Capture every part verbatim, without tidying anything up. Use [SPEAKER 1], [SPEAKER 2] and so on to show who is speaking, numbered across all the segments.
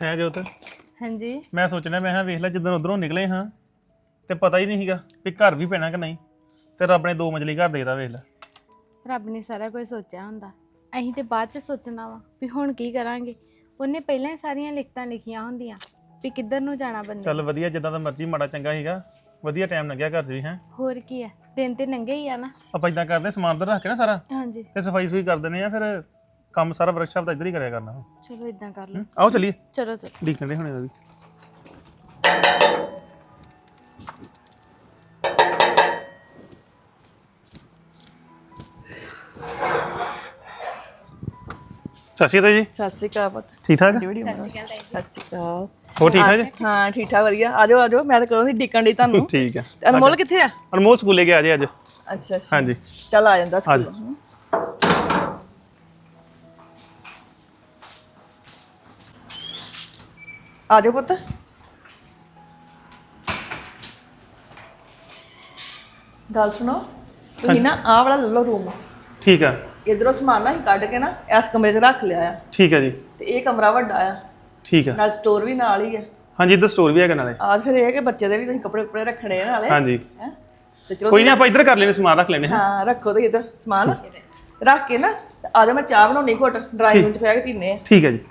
[SPEAKER 1] ਹੈ ਜੋਤ
[SPEAKER 2] ਹਾਂਜੀ
[SPEAKER 1] ਮੈਂ ਸੋਚਣਾ ਮੈਂ ਹਾਂ ਵੇਖ ਲੈ ਜਦੋਂ ਉਧਰੋਂ ਨਿਕਲੇ ਹਾਂ ਤੇ ਪਤਾ ਹੀ ਨਹੀਂ ਸੀਗਾ ਵੀ ਘਰ ਵੀ ਪੈਣਾ ਕਿ ਨਹੀਂ ਤੇ ਰੱਬ ਨੇ ਦੋ ਮੰਜ਼ਲੀ ਘਰ ਦੇਦਾ ਵੇਖ ਲੈ।
[SPEAKER 2] ਰੱਬ ਨੇ ਸਾਰਾ ਕੁਝ ਸੋਚਿਆ ਹੁੰਦਾ, ਅਸੀਂ ਤੇ ਬਾਅਦ ਚ ਸੋਚਣਾ ਵਾ ਵੀ ਹੁਣ ਕੀ ਕਰਾਂਗੇ। ਉਹਨੇ ਪਹਿਲਾਂ ਹੀ ਸਾਰੀਆਂ ਲਿਖਤਾਂ ਲਿਖੀਆਂ ਹੁੰਦੀਆਂ ਵੀ ਕਿੱਧਰ ਨੂੰ ਜਾਣਾ ਬੰਦੇ
[SPEAKER 1] ਚੱਲ
[SPEAKER 2] ਨੇ।
[SPEAKER 1] ਵਧੀਆ, ਜਿੱਦਾਂ ਦਾ ਮਰਜ਼ੀ ਮਾੜਾ ਚੰਗਾ ਸੀਗਾ, ਵਧੀਆ ਟਾਈਮ ਲੰਘਿਆ ਘਰ 'ਚ ਵੀ ਹੈ।
[SPEAKER 2] ਹੋਰ ਕੀ ਆ, ਦਿਨ ਤੇ ਨੰਗੇ ਹੀ ਆ ਨਾ।
[SPEAKER 1] ਆਪਾਂ ਇਦਾਂ ਕਰਦੇ ਸਮਾਨ ਤਾਂ ਰੱਖ ਕੇ ਨਾ ਸਾਰਾ
[SPEAKER 2] ਹਾਂਜੀ
[SPEAKER 1] ਤੇ ਸਫਾਈ ਸੁਫਾਈ ਕਰ ਦਿੰਦੇ ਆ, ਫਿਰ ਕੰਮ ਸਾਰਾ ਵਰਕਸ਼ਾਪ ਦਾ ਇੱਧਰ ਹੀ ਕਰਿਆ ਕਰਨਾ।
[SPEAKER 2] ਚਲੋ ਇਦਾਂ ਕਰ ਲਓ।
[SPEAKER 1] ਆਓ ਚਲੀਏ,
[SPEAKER 2] ਚਲੋ ਚਲੋ
[SPEAKER 1] ਦੇਖਦੇ ਹੁਣੇ ਦਾ ਵੀ। ਸਤਿ ਸ਼੍ਰੀ ਅਕਾਲ ਜੀ।
[SPEAKER 3] ਸਤਿ ਸ਼੍ਰੀ ਅਕਾਲ ਪੁੱਤ।
[SPEAKER 1] ਠੀਕ ਠਾਕ
[SPEAKER 3] ਸਤਿ ਸ਼੍ਰੀ ਅਕਾਲ।
[SPEAKER 1] ਹੋ ਠੀਕ ਠਾਕ ਜੀ?
[SPEAKER 3] ਹਾਂ ਠੀਕ ਠਾਕ ਵਧੀਆ। ਆਜੋ ਆਜੋ, ਮੈਂ ਤਾਂ ਕਦੋਂ ਦੀ ਡਿੱਕਣ ਡਈ ਤੁਹਾਨੂੰ।
[SPEAKER 1] ਠੀਕ ਹੈ।
[SPEAKER 3] ਤੇ ਅਨਮੋਲ ਕਿੱਥੇ ਆ?
[SPEAKER 1] ਅਨਮੋਲ ਸਕੂਲੇ ਗਿਆ ਜੇ ਅੱਜ।
[SPEAKER 3] ਅੱਛਾ ਅੱਛਾ
[SPEAKER 1] ਹਾਂਜੀ
[SPEAKER 3] ਚੱਲ ਆ ਜਾਂਦਾ
[SPEAKER 1] ਆ ਜਾ।
[SPEAKER 3] ਸਕੂਲ। ਆਜੋ ਪੁੱਤ। ਗੱਲ ਸੁਣੋ, ਤੁਸੀਂ ਨਾ ਆਹ ਵਾਲਾ ਲੈ ਲਓ ਰੂਮ।
[SPEAKER 1] ਠੀਕ ਆ
[SPEAKER 3] ਇਧਰੋਂ ਸਮਾਨ ਨਾ ਹੀ ਕੱਢ ਕੇ ਨਾ ਇਸ ਕਮਰੇ 'ਚ ਰੱਖ ਲਿਆ ਆ।
[SPEAKER 1] ਠੀਕ ਹੈ ਜੀ।
[SPEAKER 3] ਤੇ ਇਹ ਕਮਰਾ ਵੱਡਾ ਆ,
[SPEAKER 1] ਠੀਕ ਆ
[SPEAKER 3] ਨਾਲ ਸਟੋਰ ਵੀ ਨਾਲ ਹੀ ਆ।
[SPEAKER 1] ਹਾਂਜੀ, ਇੱਧਰ ਸਟੋਰ ਵੀ ਹੈਗਾ ਨਾਲੇ।
[SPEAKER 3] ਆ ਫਿਰ ਇਹ ਕਿ ਬੱਚੇ ਦੇ ਵੀ ਤੁਸੀਂ ਕੱਪੜੇ ਕੁਪੜੇ ਰੱਖਣੇ ਆ ਨਾਲੇ।
[SPEAKER 1] ਹਾਂਜੀ
[SPEAKER 3] ਹੈਂ ਤੇ ਚਲੋ
[SPEAKER 1] ਕੋਈ ਨਹੀਂ, ਆਪਾਂ ਇੱਧਰ ਕਰ ਲੈਣੇ, ਸਮਾਨ ਰੱਖ ਲੈਣੇ।
[SPEAKER 3] ਹਾਂ ਰੱਖੋ ਤੇ ਇਧਰ ਸਮਾਨ ਰੱਖ ਕੇ ਨਾ ਤੇ ਆ ਜਾ, ਮੈਂ ਚਾਹ ਬਣਾਉਣੀ ਘੁੱਟ, ਡਰਾਈਵਿੰਗ ਰੂਮ 'ਚ ਬਹਿ ਕੇ ਪੀਨੇ ਆ।
[SPEAKER 1] ਠੀਕ ਹੈ ਜੀ।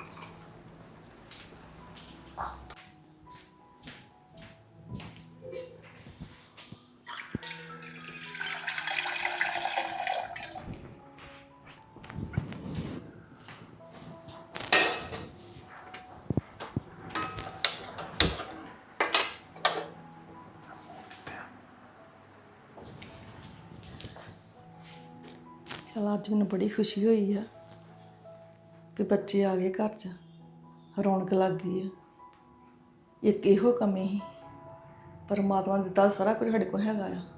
[SPEAKER 3] ਚਲ ਅੱਜ ਮੈਨੂੰ ਬੜੀ ਖੁਸ਼ੀ ਹੋਈ ਆ ਕਿ ਬੱਚੇ ਆ ਗਏ ਘਰ 'ਚ, ਰੌਣਕ ਲੱਗ ਗਈ ਆ। ਇੱਕ ਇਹੋ ਕਮੀ ਸੀ, ਪਰਮਾਤਮਾ ਨੇ ਦਿੱਤਾ ਸਾਰਾ ਕੁਝ ਸਾਡੇ ਕੋਲ ਹੈਗਾ ਆ।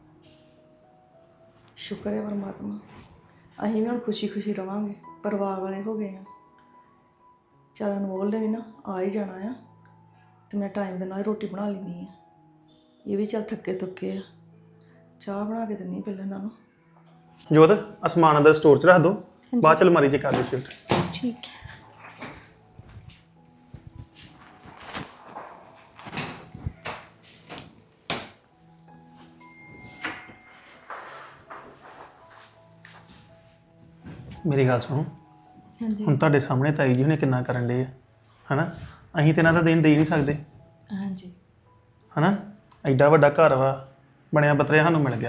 [SPEAKER 3] ਸ਼ੁਕਰ ਹੈ ਪਰਮਾਤਮਾ। ਅਸੀਂ ਵੀ ਹੁਣ ਖੁਸ਼ੀ ਖੁਸ਼ੀ ਰਵਾਂਗੇ, ਪਰਿਵਾਰ ਵਾਲੇ ਹੋ ਗਏ ਆ। ਚੱਲ ਅਨਮੋਲ ਨੇ ਵੀ ਨਾ ਆ ਹੀ ਜਾਣਾ ਆ, ਤੇ ਮੈਂ ਟਾਈਮ ਦੇ ਨਾਲ ਹੀ ਰੋਟੀ ਬਣਾ ਲੈਂਦੀ ਆ। ਇਹ ਵੀ ਚੱਲ ਥੱਕੇ ਥੁੱਕੇ ਆ, ਚਾਹ ਬਣਾ ਕੇ ਦਿੰਦੀ ਪਹਿਲਾਂ ਇਹਨਾਂ ਨੂੰ।
[SPEAKER 1] ਜੋਤ, ਅਸਮਾਨ ਅੰਦਰ ਸਟੋਰ 'ਚ ਰੱਖ ਦੋ, ਬਾਅਦ ਚ ਅਲਮਾਰੀ 'ਚ ਕਰ ਦਿਓ ਸ਼ਿਫਟ।
[SPEAKER 2] ਠੀਕ ਹੈ।
[SPEAKER 1] ਮੇਰੀ ਗੱਲ ਸੁਣੋ,
[SPEAKER 2] ਹਾਂਜੀ
[SPEAKER 1] ਹੁਣ ਤੁਹਾਡੇ ਸਾਹਮਣੇ ਤਾਈ ਜੀ ਹੁਣੇ ਕਿੰਨਾ ਕਰਨ ਡੇ ਆ, ਹਨਾ? ਅਸੀਂ ਤੇ ਇਹਨਾਂ ਦਾ ਦੇਣ ਦੇ ਨਹੀਂ ਸਕਦੇ,
[SPEAKER 2] ਹਾਂਜੀ
[SPEAKER 1] ਹਨਾ? ਐਡਾ ਵੱਡਾ ਘਰ ਵਾ ਬਣਿਆ ਬਤਰਿਆ ਸਾਨੂੰ ਮਿਲ ਗਿਆ,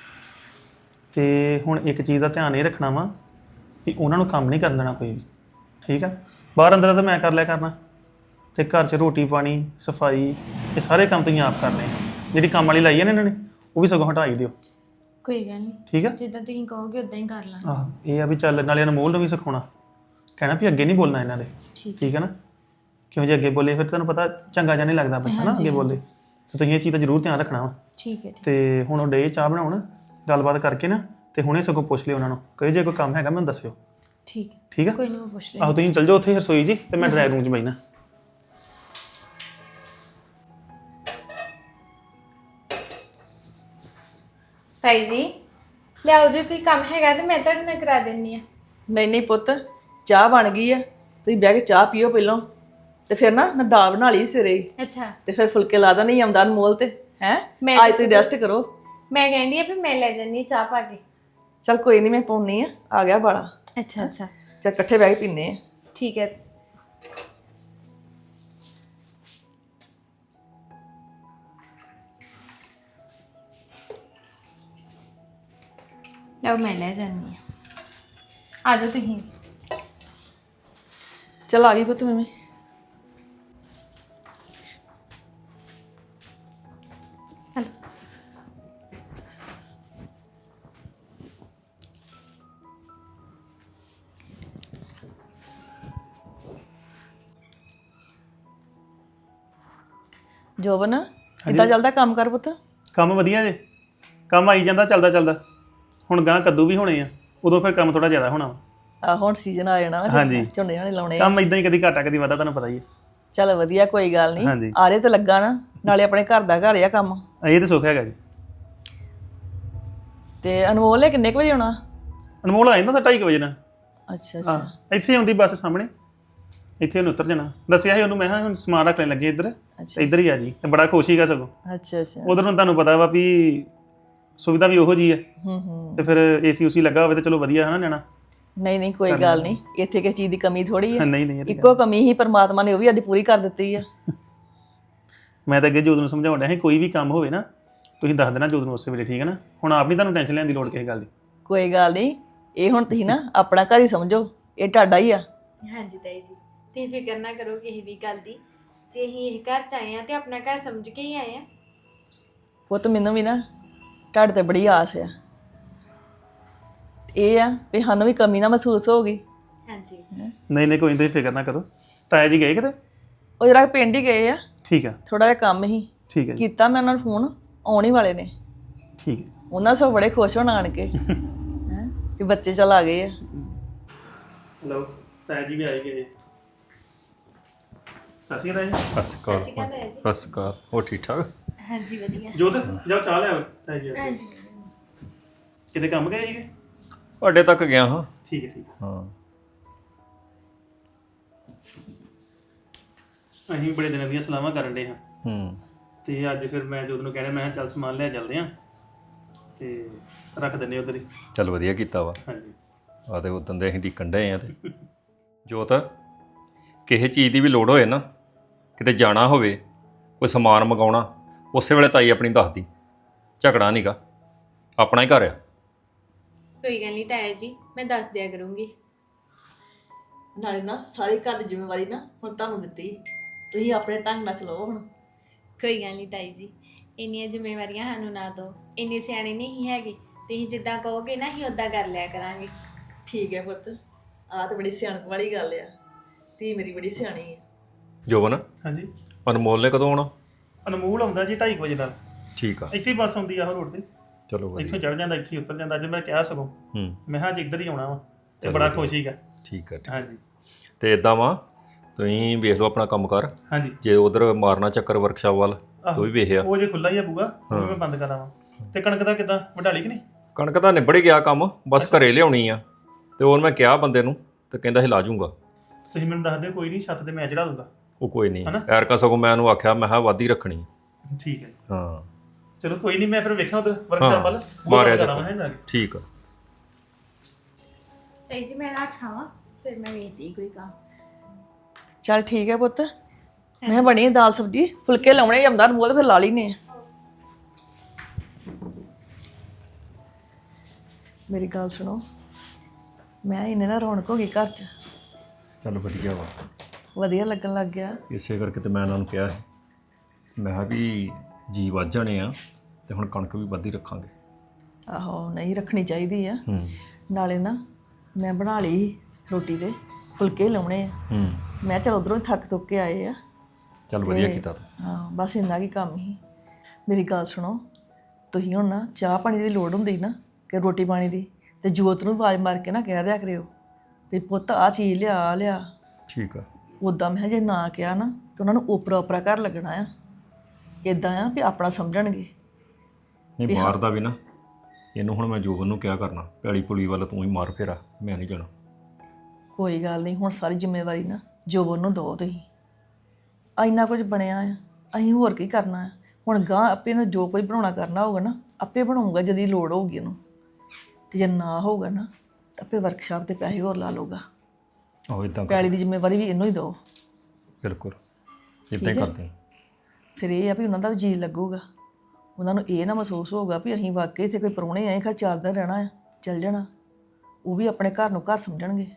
[SPEAKER 1] ਤੇ ਹੁਣ ਇੱਕ ਚੀਜ਼ ਦਾ ਧਿਆਨ ਇਹ ਰੱਖਣਾ ਵਾ ਕਿ ਉਹਨਾਂ ਨੂੰ ਕੰਮ ਨਹੀਂ ਕਰਨ ਦੇਣਾ ਕੋਈ ਵੀ, ਠੀਕ ਆ? ਬਾਹਰ ਅੰਦਰ ਤਾਂ ਮੈਂ ਕਰ ਲਿਆ ਕਰਨਾ, ਤੇ ਘਰ 'ਚ ਰੋਟੀ ਪਾਣੀ ਸਫਾਈ ਇਹ ਸਾਰੇ ਕੰਮ ਤੁਸੀਂ ਆਪ ਕਰਨੇ ਆ। ਜਿਹੜੀ ਕੰਮ ਵਾਲੀ ਲਾਈ ਹੈ ਨਾ ਇਹਨਾਂ ਨੇ, ਉਹ ਵੀ ਸਗੋਂ ਹਟਾਈ ਦਿਓ,
[SPEAKER 2] ਕੋਈ ਗੱਲ ਨਹੀਂ,
[SPEAKER 1] ਠੀਕ ਆ?
[SPEAKER 2] ਜਿੱਦਾਂ ਤੁਸੀਂ ਕਹੋਗੇ ਉਦਾਂ ਹੀ ਕਰ ਲਾਂਗੇ।
[SPEAKER 1] ਆਹ ਇਹ ਆ ਵੀ ਚੱਲ, ਨਾਲੇ ਅਨਮੋਲ ਨੂੰ ਵੀ ਸਿਖਾਉਣਾ, ਕਹਿਣਾ ਵੀ ਅੱਗੇ ਨਹੀਂ ਬੋਲਣਾ ਇਹਨਾਂ ਦੇ,
[SPEAKER 2] ਠੀਕ
[SPEAKER 1] ਠੀਕ ਹੈ ਨਾ? ਕਿਉਂ ਜੇ ਅੱਗੇ ਬੋਲੇ ਫਿਰ ਤੁਹਾਨੂੰ ਪਤਾ ਚੰਗਾ ਜਿਹਾ ਨਹੀਂ ਲੱਗਦਾ ਬੱਚਾ ਨਾ ਅੱਗੇ ਬੋਲੇ, ਤੇ ਤੁਸੀਂ ਇਹ ਚੀਜ਼ ਦਾ ਜ਼ਰੂਰ ਧਿਆਨ ਰੱਖਣਾ ਵਾ।
[SPEAKER 2] ਠੀਕ ਹੈ।
[SPEAKER 1] ਤੇ ਹੁਣ ਉਹ ਡੇ ਚਾਹ ਬਣਾਉਣ, ਗੱਲਬਾਤ ਕਰਕੇ ਨਾ ਤੇ ਹੁਣੇ ਸਗੋਂ ਪੁੱਛ ਲਿਓ ਉਹਨਾਂ ਨੂੰ, ਕਹੇ ਜੇ ਕੋਈ ਕੰਮ ਹੈਗਾ ਮੈਨੂੰ ਦੱਸਿਓ,
[SPEAKER 2] ਠੀਕ ਹੈ,
[SPEAKER 1] ਠੀਕ ਆ?
[SPEAKER 2] ਕੋਈ ਨਹੀਂ, ਮੈਂ ਪੁੱਛ ਲਈ।
[SPEAKER 1] ਆਹੋ ਤੁਸੀਂ ਚੱਲ ਜਾਓ ਉੱਥੇ ਰਸੋਈ ਜੀ, ਤੇ ਮੈਂ ਡਰਾਈਵ ਰੂਮ 'ਚ ਬੈਠਣਾ।
[SPEAKER 2] ਤਾਈ ਜੀ ਲਿਆਓ, ਜੇ ਕੋਈ ਕੰਮ ਹੈਗਾ ਤੇ ਮੈਂ ਤੁਹਾਡੇ ਨਾਲ ਕਰਾ ਦਿੰਨੀ ਆ।
[SPEAKER 3] ਨਹੀਂ ਨਹੀਂ ਪੁੱਤ, ਚਾਹ ਬਣ ਗਈ ਆ, ਤੁਸੀਂ ਬਹਿ ਕੇ ਚਾਹ ਪੀਓ ਪਹਿਲਾਂ, ਤੇ ਫਿਰ ਨਾ ਮੈਂ ਦਾਲ ਬਣਾ ਲਈ ਸਵੇਰੇ ਹੀ,
[SPEAKER 2] ਅੱਛਾ,
[SPEAKER 3] ਤੇ ਫਿਰ ਫੁਲਕੇ ਲਾ ਦਾ ਨਹੀਂ ਆਉਂਦਾ ਅਨਮੋਲ ਤੇ ਹੈ।
[SPEAKER 2] ਮੈਂ
[SPEAKER 3] ਅੱਜ ਤੁਸੀਂ ਰੈਸਟ ਕਰੋ।
[SPEAKER 2] ਮੈਂ ਕਹਿੰਦੀ ਆ ਵੀ ਮੈਂ ਲੈ ਜੰਨੀ ਚਾਹ ਪਾ ਕੇ।
[SPEAKER 3] ਚਲ ਕੋਈ ਨਹੀਂ, ਮੈਂ ਪਾਉਣੀ ਆ, ਆ ਗਿਆ ਬਾਲਾ।
[SPEAKER 2] ਅੱਛਾ ਅੱਛਾ
[SPEAKER 3] ਚਲ ਇਕੱਠੇ ਬਹਿ ਕੇ ਪੀਨੇ ਆ।
[SPEAKER 2] ਠੀਕ ਹੈ। ਲਓ ਮੈਂ ਲੈ ਜਾਂਦੀ ਆ, ਆ ਜਾਓ ਤੁਸੀਂ।
[SPEAKER 3] ਚਲ ਆ ਗਈ ਪੁੱਤ ਮੈਂ ਵੀ।
[SPEAKER 2] ਹਲੋ।
[SPEAKER 3] ਜੋਬਨ ਕਿੱਦਾਂ ਚੱਲਦਾ ਕੰਮ ਕਰ ਪੁੱਤ?
[SPEAKER 1] ਕੰਮ ਵਧੀਆ ਜੇ, ਕੰਮ ਆਈ ਜਾਂਦਾ ਚੱਲਦਾ ਚੱਲਦਾ। ਹੁਣ ਗਾਂ ਕੱਦੂ ਵੀ ਹੋਣੇ ਆ, ਉਦੋਂ ਫਿਰ ਕੰਮ ਥੋੜਾ ਜ਼ਿਆਦਾ ਹੋਣਾ ਵਾ।
[SPEAKER 3] ਆ ਹੁਣ ਸੀਜ਼ਨ ਆ ਜਾਣਾ ਨਾ,
[SPEAKER 1] ਹਾਂਜੀ।
[SPEAKER 3] ਫਿਰ ਝੋਨੇ ਝਾਣੇ ਲਾਉਣੇ ਆ।
[SPEAKER 1] ਕੰਮ ਇਦਾਂ ਹੀ ਕਦੀ ਘਾਟਾ ਕਦੀ ਵਾਧਾ, ਤੁਹਾਨੂੰ ਪਤਾ ਹੀ ਹੈ।
[SPEAKER 3] ਚੱਲ ਵਧੀਆ, ਕੋਈ ਗੱਲ ਨਹੀਂ,
[SPEAKER 1] ਹਾਂਜੀ।
[SPEAKER 3] ਆਰੇ ਤੇ ਲੱਗਾ ਨਾ, ਨਾਲੇ ਆਪਣੇ ਘਰ ਦਾ ਘਰ ਆ ਕੰਮ।
[SPEAKER 1] ਇਹ ਤਾਂ ਸੁੱਖ ਹੈਗਾ ਜੀ।
[SPEAKER 3] ਤੇ ਅਨਮੋਲ ਨੇ ਕਿੰਨੇ ਕੁ ਵਜੇ ਆਉਣਾ?
[SPEAKER 1] ਅਨਮੋਲ ਆ ਜਾਂਦਾ ਤਾਂ ਢਾਈ ਕੁ ਵਜੇ ਨਾਲ।
[SPEAKER 3] ਅੱਛਾ ਅੱਛਾ
[SPEAKER 1] ਹਾਂ, ਇੱਥੇ ਆਉਂਦੀ ਬੱਸ ਸਾਹਮਣੇ, ਇੱਥੇ ਉਹਨੂੰ ਉਤਰ ਜਾਣਾ ਦੱਸਿਆ ਸੀ ਉਹਨੂੰ ਮੈਂ ਕਿਹਾ ਹੁਣ ਸਮਾਨ ਰੱਖ ਲੈਣ ਲੱਗੇ ਇੱਧਰ
[SPEAKER 3] ਅੱਛਾ
[SPEAKER 1] ਤੇ ਇੱਧਰ ਹੀ ਆ ਜੀ ਤੇ ਬੜਾ ਖੁਸ਼ ਸੀਗਾ ਸਗੋਂ
[SPEAKER 3] ਅੱਛਾ ਅੱਛਾ
[SPEAKER 1] ਉਧਰ ਨੂੰ ਤੁਹਾਨੂੰ ਪਤਾ ਵਾ ਵੀ ਸੁਵਿਧਾ ਵੀ ਉਹੋ ਜੀ ਹੈ
[SPEAKER 3] ਹੂੰ ਹੂੰ
[SPEAKER 1] ਤੇ ਫਿਰ ਏਸੀ ਉਸੀ ਲੱਗਾ ਹੋਵੇ ਤੇ ਚਲੋ ਵਧੀਆ ਹੈ ਨਾ ਜਾਣਾ
[SPEAKER 3] ਨਹੀਂ ਨਹੀਂ ਕੋਈ ਗੱਲ ਨਹੀਂ ਇੱਥੇ ਕਿਸੇ ਚੀਜ਼ ਦੀ ਕਮੀ ਥੋੜੀ ਹੈ
[SPEAKER 1] ਨਹੀਂ ਨਹੀਂ ਇਹ ਤਾਂ
[SPEAKER 3] ਇੱਕੋ ਕਮੀ ਹੀ ਪਰਮਾਤਮਾ ਨੇ ਉਹ ਵੀ ਅੱਜ ਪੂਰੀ ਕਰ ਦਿੱਤੀ ਆ
[SPEAKER 1] ਮੈਂ ਤਾਂ ਅੱਗੇ ਜੋਤ ਨੂੰ ਸਮਝਾਉਣ ਡਿਆ ਸੀ ਕੋਈ ਵੀ ਕੰਮ ਹੋਵੇ ਨਾ ਤੁਸੀਂ ਦੱਸ ਦੇਣਾ ਜੋਤ ਨੂੰ ਉਸੇ ਵੇਲੇ ਠੀਕ ਹੈ ਨਾ ਹੁਣ ਆਪ ਨਹੀਂ ਤੁਹਾਨੂੰ ਟੈਨਸ਼ਨ ਲੈਣ ਦੀ ਲੋੜ ਕਿਸੇ ਗੱਲ ਦੀ
[SPEAKER 3] ਕੋਈ ਗੱਲ ਨਹੀਂ ਇਹ ਹੁਣ ਤੁਸੀਂ ਨਾ ਆਪਣਾ ਘਰ ਹੀ ਸਮਝੋ ਇਹ ਤੁਹਾਡਾ ਹੀ ਆ
[SPEAKER 2] ਹਾਂਜੀ ਤਾਈ ਜੀ ਤੁਸੀਂ ਫਿਕਰ ਨਾ ਕਰੋ ਕਿਸੇ ਵੀ ਗੱਲ ਦੀ ਜੇ ਅਸੀਂ ਇਹ ਘਰ ਚ ਆਏ ਆ ਤੇ ਆਪਣਾ ਘਰ ਸਮਝ ਕੇ ਹੀ ਆਏ ਆ
[SPEAKER 3] ਉਹ ਤਾਂ ਮੈਨੂੰ ਵੀ ਨਾ ਤੁਹਾਡੇ ਤੇ ਬੜੀ ਆਸ ਆ ਇਹ ਆ ਵੀ ਸਾਨੂੰ ਵੀ ਕਮੀ ਨਾ ਮਹਿਸੂਸ ਹੋਊਗੀ
[SPEAKER 2] ਹਾਂਜੀ
[SPEAKER 1] ਨਹੀਂ ਨਹੀਂ ਕੋਈ ਨਹੀਂ ਤੁਸੀਂ ਫਿਕਰ ਨਾ ਕਰੋ ਤਾਇਆ ਜੀ ਗਏ ਕਿਤੇ
[SPEAKER 3] ਉਹ ਜਰਾ ਪਿੰਡ ਹੀ ਗਏ ਆ
[SPEAKER 1] ਠੀਕ ਆ
[SPEAKER 3] ਥੋੜਾ ਜਿਹਾ ਕੰਮ ਹੀ
[SPEAKER 1] ਠੀਕ ਹੈ ਜੀ
[SPEAKER 3] ਕੀਤਾ ਮੈਂ ਉਹਨਾਂ ਨੂੰ ਫੋਨ ਆਉਣ ਹੀ ਵਾਲੇ ਨੇ
[SPEAKER 1] ਠੀਕ ਹੈ
[SPEAKER 3] ਉਹਨਾਂ ਸਭ ਬੜੇ ਖੁਸ਼ ਹੋਣ ਆਣ ਕੇ ਹੈ ਕਿ ਬੱਚੇ ਚਲ ਆ ਗਏ ਆ
[SPEAKER 1] ਹਲੋ ਤਾਇਆ ਜੀ ਵੀ ਆਏ ਗਏ ਸਤਿ ਸ਼੍ਰੀ ਅਕਾਲ ਜੀ
[SPEAKER 4] ਬਸ ਕਰ ਬਸ ਕਰ ਉਹ ਠੀਕ ਠਾਕ
[SPEAKER 2] ਹਾਂਜੀ ਵਧੀਆ
[SPEAKER 1] ਜੋਤ ਜਾਓ ਚਾਹ ਲਿਆਓ ਤਾਇਆ ਜੀ ਵਾਸਤੇ। ਕਿਤੇ ਕੰਮ ਗਏ ਸੀਗੇ
[SPEAKER 4] ਅੱਡੇ ਤੱਕ ਗਿਆ ਹਾਂ
[SPEAKER 1] ਠੀਕ ਹੈ ਠੀਕ ਹੈ
[SPEAKER 4] ਹਾਂ
[SPEAKER 1] ਅਸੀਂ ਵੀ ਬੜੇ ਦਿਨਾਂ ਦੀਆਂ ਸਲਾਹਾਂ ਕਰਨ ਡੇ ਹਾਂ
[SPEAKER 4] ਹੂੰ
[SPEAKER 1] ਤੇ ਅੱਜ ਫਿਰ ਮੈਂ ਜੋਤ ਨੂੰ ਕਹਿਣਾ ਮੈਂ ਕਿਹਾ ਚੱਲ ਸਮਾਨ ਲਿਆ ਚੱਲਦੇ ਹਾਂ ਤੇ ਰੱਖ ਦਿੰਦੇ ਉਧਰ ਹੀ
[SPEAKER 4] ਚੱਲ ਵਧੀਆ ਕੀਤਾ ਵਾ
[SPEAKER 1] ਹਾਂਜੀ
[SPEAKER 4] ਆ ਤੇ ਉਦੋਂ ਦੇ ਅਸੀਂ ਢੀਕਣ ਡਏ ਆ ਤੇ ਜੋਤ ਕਿਸੇ ਚੀਜ਼ ਦੀ ਵੀ ਲੋੜ ਹੋਏ ਨਾ ਕਿਤੇ ਜਾਣਾ ਹੋਵੇ ਕੋਈ ਸਮਾਨ ਮੰਗਾਉਣਾ ਉਸੇ ਵੇਲੇ ਤਾਈ ਆਪਣੀ ਦੱਸਦੀ ਝਗੜਾ ਨਹੀਂਗਾ ਆਪਣਾ ਹੀ ਘਰ ਆ
[SPEAKER 2] ਕੋਈ ਗੱਲ ਨਹੀਂ ਤਾਇਆ ਜੀ ਮੈਂ ਦੱਸ ਦਿਆ ਕਰੂੰਗੀ
[SPEAKER 3] ਨਾਲੇ ਨਾ ਸਾਰੀ ਘਰ ਦੀ ਜ਼ਿੰਮੇਵਾਰੀ ਨਾ ਹੁਣ ਤੁਹਾਨੂੰ ਦਿੱਤੀ ਤੁਸੀਂ ਆਪਣੇ ਢੰਗ ਨਾਲ ਚਲਾਓ ਹੁਣ
[SPEAKER 2] ਕੋਈ ਗੱਲ ਨਹੀਂ ਤਾਈ ਜੀ ਇੰਨੀਆਂ ਜ਼ਿੰਮੇਵਾਰੀਆਂ ਸਾਨੂੰ ਨਾ ਦਿਓ ਇੰਨੇ ਸਿਆਣੇ ਨਹੀਂ ਹੈਗੇ ਤੁਸੀਂ ਜਿੱਦਾਂ ਕਹੋਗੇ ਨਾ ਅਸੀਂ ਉਦਾਂ ਕਰ ਲਿਆ ਕਰਾਂਗੇ
[SPEAKER 3] ਠੀਕ ਹੈ ਪੁੱਤ ਆਹ ਤਾਂ ਬੜੀ ਸਿਆਣਪ ਵਾਲੀ ਗੱਲ ਆ ਧੀ ਮੇਰੀ ਬੜੀ ਸਿਆਣੀ ਹੈ
[SPEAKER 4] ਜੋਬਨ
[SPEAKER 1] ਹਾਂਜੀ
[SPEAKER 4] ਅਨਮੋਲ ਨੇ ਕਦੋਂ ਆਉਣਾ
[SPEAKER 1] ਅਨਮੋਲ ਆਉਂਦਾ ਜੀ ਢਾਈ ਵਜੇ ਨਾਲ
[SPEAKER 4] ਠੀਕ ਆ
[SPEAKER 1] ਇੱਥੇ ਹੀ ਬੱਸ ਆਉਂਦੀ ਆ ਉਹ ਰੋਡ ਤੇ
[SPEAKER 4] ਚਲੋ ਵਧੀਆ
[SPEAKER 1] ਇੱਥੋਂ ਚੜ ਜਾਂਦਾ ਇੱਥੇ ਹੀ ਉਤਰ ਜਾਂਦਾ ਅੱਜ ਮੈਂ ਕਿਹਾ ਸਗੋਂ
[SPEAKER 4] ਹੂੰ
[SPEAKER 1] ਮੈਂ ਕਿਹਾ ਅੱਜ ਇੱਧਰ ਹੀ ਆਉਣਾ ਵਾ ਤੇ ਬੜਾ ਖੁਸ਼ ਸੀਗਾ
[SPEAKER 4] ਠੀਕ ਆ ਠੀਕ।
[SPEAKER 1] ਹਾਂਜੀ
[SPEAKER 4] ਤੇ ਇਦਾਂ ਵਾ ਤੁਸੀਂ ਵੇਖ ਲਓ ਆਪਣਾ ਕੰਮ ਕਰ
[SPEAKER 1] ਹਾਂਜੀ
[SPEAKER 4] ਜੇ ਉਧਰ ਮਾਰਨਾ ਚੱਕਰ ਵਰਕਸ਼ਾਪ ਵੱਲ ਤੂੰ ਵੀ ਵੇਖਿਆ
[SPEAKER 1] ਉਹ ਜੇ ਖੁੱਲਾ ਹੀ ਆ ਬੂਗਾ ਉਹ ਵੀ ਮੈਂ ਬੰਦ ਕਰਾਂ ਵਾ ਤੇ ਕਣਕ ਦਾ ਕਿਦਾਂ ਵਢਾਲੀ ਕਿ ਨਹੀਂ
[SPEAKER 4] ਕਣਕ ਤਾਂ ਨਿਬੜ ਗਿਆ ਕੰਮ ਬਸ ਘਰੇ ਲਿਆਉਣੀ ਆ ਤੇ ਹੋਰ ਮੈਂ ਕਿਹਾ ਬੰਦੇ ਨੂੰ ਤੇ ਕਹਿੰਦਾ ਸੀ ਲਾ ਜੂੰਗਾ
[SPEAKER 1] ਤੁਸੀਂ ਮੈਨੂੰ ਦੱਸ ਦਿਓ ਕੋਈ ਨਹੀਂ ਛੱਤ ਤੇ ਮੈਂ ਚੜਾ ਦੂੰਗਾ
[SPEAKER 4] ਉਹ ਕੋਈ ਨਹੀਂ ਐਰਕਾ ਸਗੋਂ ਮੈਂ ਉਹਨੂੰ ਆਖਿਆ ਮੈਂ ਕਿਹਾ ਵਾਧੀ ਰੱਖਣੀ
[SPEAKER 1] ਠੀਕ ਹੈ
[SPEAKER 4] ਹਾਂ
[SPEAKER 1] ਚਲੋ ਕੋਈ ਨਹੀਂ ਮੈਂ ਫਿਰ ਵੇਖਾਂ ਉਧਰ ਵਰਕਸ਼ਾਪ ਵੱਲ
[SPEAKER 4] ਮਾਰਿਆ
[SPEAKER 1] ਜਾਣਾ ਹੈ ਜਾ ਕੇ
[SPEAKER 4] ਠੀਕ ਆ
[SPEAKER 2] ਤਾਈ ਜੀ ਮੈਂ ਰੱਖਾਂ ਵਾ ਫਿਰ ਮੈਂ ਵੇਖਦੀ ਕੋਈ ਕੰਮ
[SPEAKER 3] ਚਲ ਠੀਕ ਹੈ ਪੁੱਤ ਮੈਂ ਬਣੀ ਦਾਲ ਸਬਜੀ ਫੁਲਕੇ ਲਾਉਣੇ ਜਮਦਾਰ ਮੂੰਹ ਤੇ ਫਿਰ ਲਾ ਲੈਨੇ ਆ ਮੇਰੀ ਗੱਲ ਸੁਣੋ ਮੈਂ ਇਹਨੇ ਨਾ ਰੌਣਕ ਹੋ ਗਈ ਘਰ 'ਚ
[SPEAKER 4] ਚੱਲ ਵਧੀਆ ਵਾ
[SPEAKER 3] ਵਧੀਆ ਲੱਗਣ ਲੱਗ ਗਿਆ
[SPEAKER 4] ਇਸੇ ਕਰਕੇ ਤੇ ਮੈਂ ਇਹਨਾਂ ਨੂੰ ਕਿਹਾ ਸੀ ਮੈਂ ਕਿਹਾ ਵੀ ਜੀ ਵੱਧ ਜਾਣੇ ਆ ਤੇ ਹੁਣ ਕਣਕ ਵੀ ਵੱਧ ਹੀ ਰੱਖਾਂਗੇ
[SPEAKER 3] ਆਹੋ ਨਹੀਂ ਰੱਖਣੀ ਚਾਹੀਦੀ ਆ
[SPEAKER 4] ਹੂੰ
[SPEAKER 3] ਨਾਲੇ ਨਾ ਮੈਂ ਬਣਾ ਲਈ ਰੋਟੀ ਤੇ ਫੁਲਕੇ ਲਾਉਣੇ ਆ
[SPEAKER 4] ਹੂੰ
[SPEAKER 3] ਮੈਂ ਚਲ ਉਧਰੋਂ ਥੱਕ ਥੁੱਕ ਕੇ ਆਏ ਆ
[SPEAKER 4] ਚੱਲ ਵਧੀਆ ਕੀਤਾ ਤੂੰ
[SPEAKER 3] ਹਾਂ ਬਸ ਇੰਨਾ ਕੀ ਕੰਮ ਹੀ ਮੇਰੀ ਗੱਲ ਸੁਣੋ ਤੁਸੀਂ ਹੁਣ ਨਾ ਚਾਹ ਪਾਣੀ ਦੀ ਲੋੜ ਹੁੰਦੀ ਨਾ ਕਿ ਰੋਟੀ ਪਾਣੀ ਦੀ ਤੇ ਜੋਤ ਨੂੰ ਆਵਾਜ਼ ਮਾਰ ਕੇ ਨਾ ਕਹਿ ਦਿਆ ਕਰਿਓ ਵੀ ਪੁੱਤ ਆ ਚੀਜ਼ ਲਿਆ ਆਹ ਲਿਆ
[SPEAKER 4] ਠੀਕ ਆ
[SPEAKER 3] ਉੱਦਾਂ ਮੈਂ ਕਿਹਾ ਜੇ ਨਾ ਕਿਹਾ ਨਾ ਤਾਂ ਉਹਨਾਂ ਨੂੰ ਓਪਰਾ ਓਪਰਾ ਘਰ ਲੱਗਣਾ ਆ ਇਦਾਂ ਆ ਵੀ ਆਪਣਾ ਸਮਝਣਗੇ
[SPEAKER 4] ਨਹੀਂ ਬਾਹਰ ਦਾ ਵੀ ਨਾ ਇਹਨੂੰ ਹੁਣ ਮੈਂ ਜੋਬਨ ਨੂੰ ਕਿਹਾ ਕਰਨਾ ਪੈਲੀ ਪੁਲੀ ਵੱਲ ਤੂੰ ਹੀ ਮਾਰ ਫੇਰਾ ਮੈਂ ਨਹੀਂ ਜਾਣਾ
[SPEAKER 3] ਕੋਈ ਗੱਲ ਨਹੀਂ ਹੁਣ ਸਾਰੀ ਜ਼ਿੰਮੇਵਾਰੀ ਨਾ ਜੋਬਨ ਨੂੰ ਦਿਓ ਤੁਸੀਂ ਇੰਨਾ ਕੁਝ ਬਣਿਆ ਆ ਅਸੀਂ ਹੋਰ ਕੀ ਕਰਨਾ ਆ ਹੁਣ ਗਾਂ ਆਪੇ ਨੂੰ ਜੋ ਕੋਈ ਬਣਾਉਣਾ ਕਰਨਾ ਹੋਊਗਾ ਨਾ ਆਪੇ ਬਣਾਊਗਾ ਜਦੀ ਲੋੜ ਹੋਊਗੀ ਉਹਨੂੰ ਤੇ ਜੇ ਨਾ ਹੋਊਗਾ ਨਾ ਤਾਂ ਆਪੇ ਵਰਕਸ਼ਾਪ ਤੇ ਪੈਸੇ ਹੋਰ ਲਾ ਲਊਗਾ
[SPEAKER 4] ਆਹੋ ਇਦਾਂ
[SPEAKER 3] ਪੈਲੀ ਦੀ ਜ਼ਿੰਮੇਵਾਰੀ ਵੀ ਇਹਨੂੰ ਹੀ ਦਿਓ
[SPEAKER 4] ਬਿਲਕੁਲ ਇਦਾਂ ਹੀ ਕਰਦੇ ਹਾਂ।
[SPEAKER 3] ਫਿਰ ਇਹ ਆ ਵੀ ਉਹਨਾਂ ਦਾ ਵੀ ਜੀ ਲੱਗੂਗਾ ਉਹਨਾਂ ਨੂੰ ਇਹ ਨਾ ਮਹਿਸੂਸ ਹੋਊਗਾ ਵੀ ਅਸੀਂ ਵਾਕਈ ਇੱਥੇ ਕੋਈ ਪ੍ਰਾਹੁਣੇ ਆਏ ਖਾ ਚਾਰ ਦਿਨ ਰਹਿਣਾ ਆ ਚੱਲ ਜਾਣਾ ਉਹ ਵੀ ਆਪਣੇ ਘਰ ਨੂੰ ਘਰ ਸਮਝਣਗੇ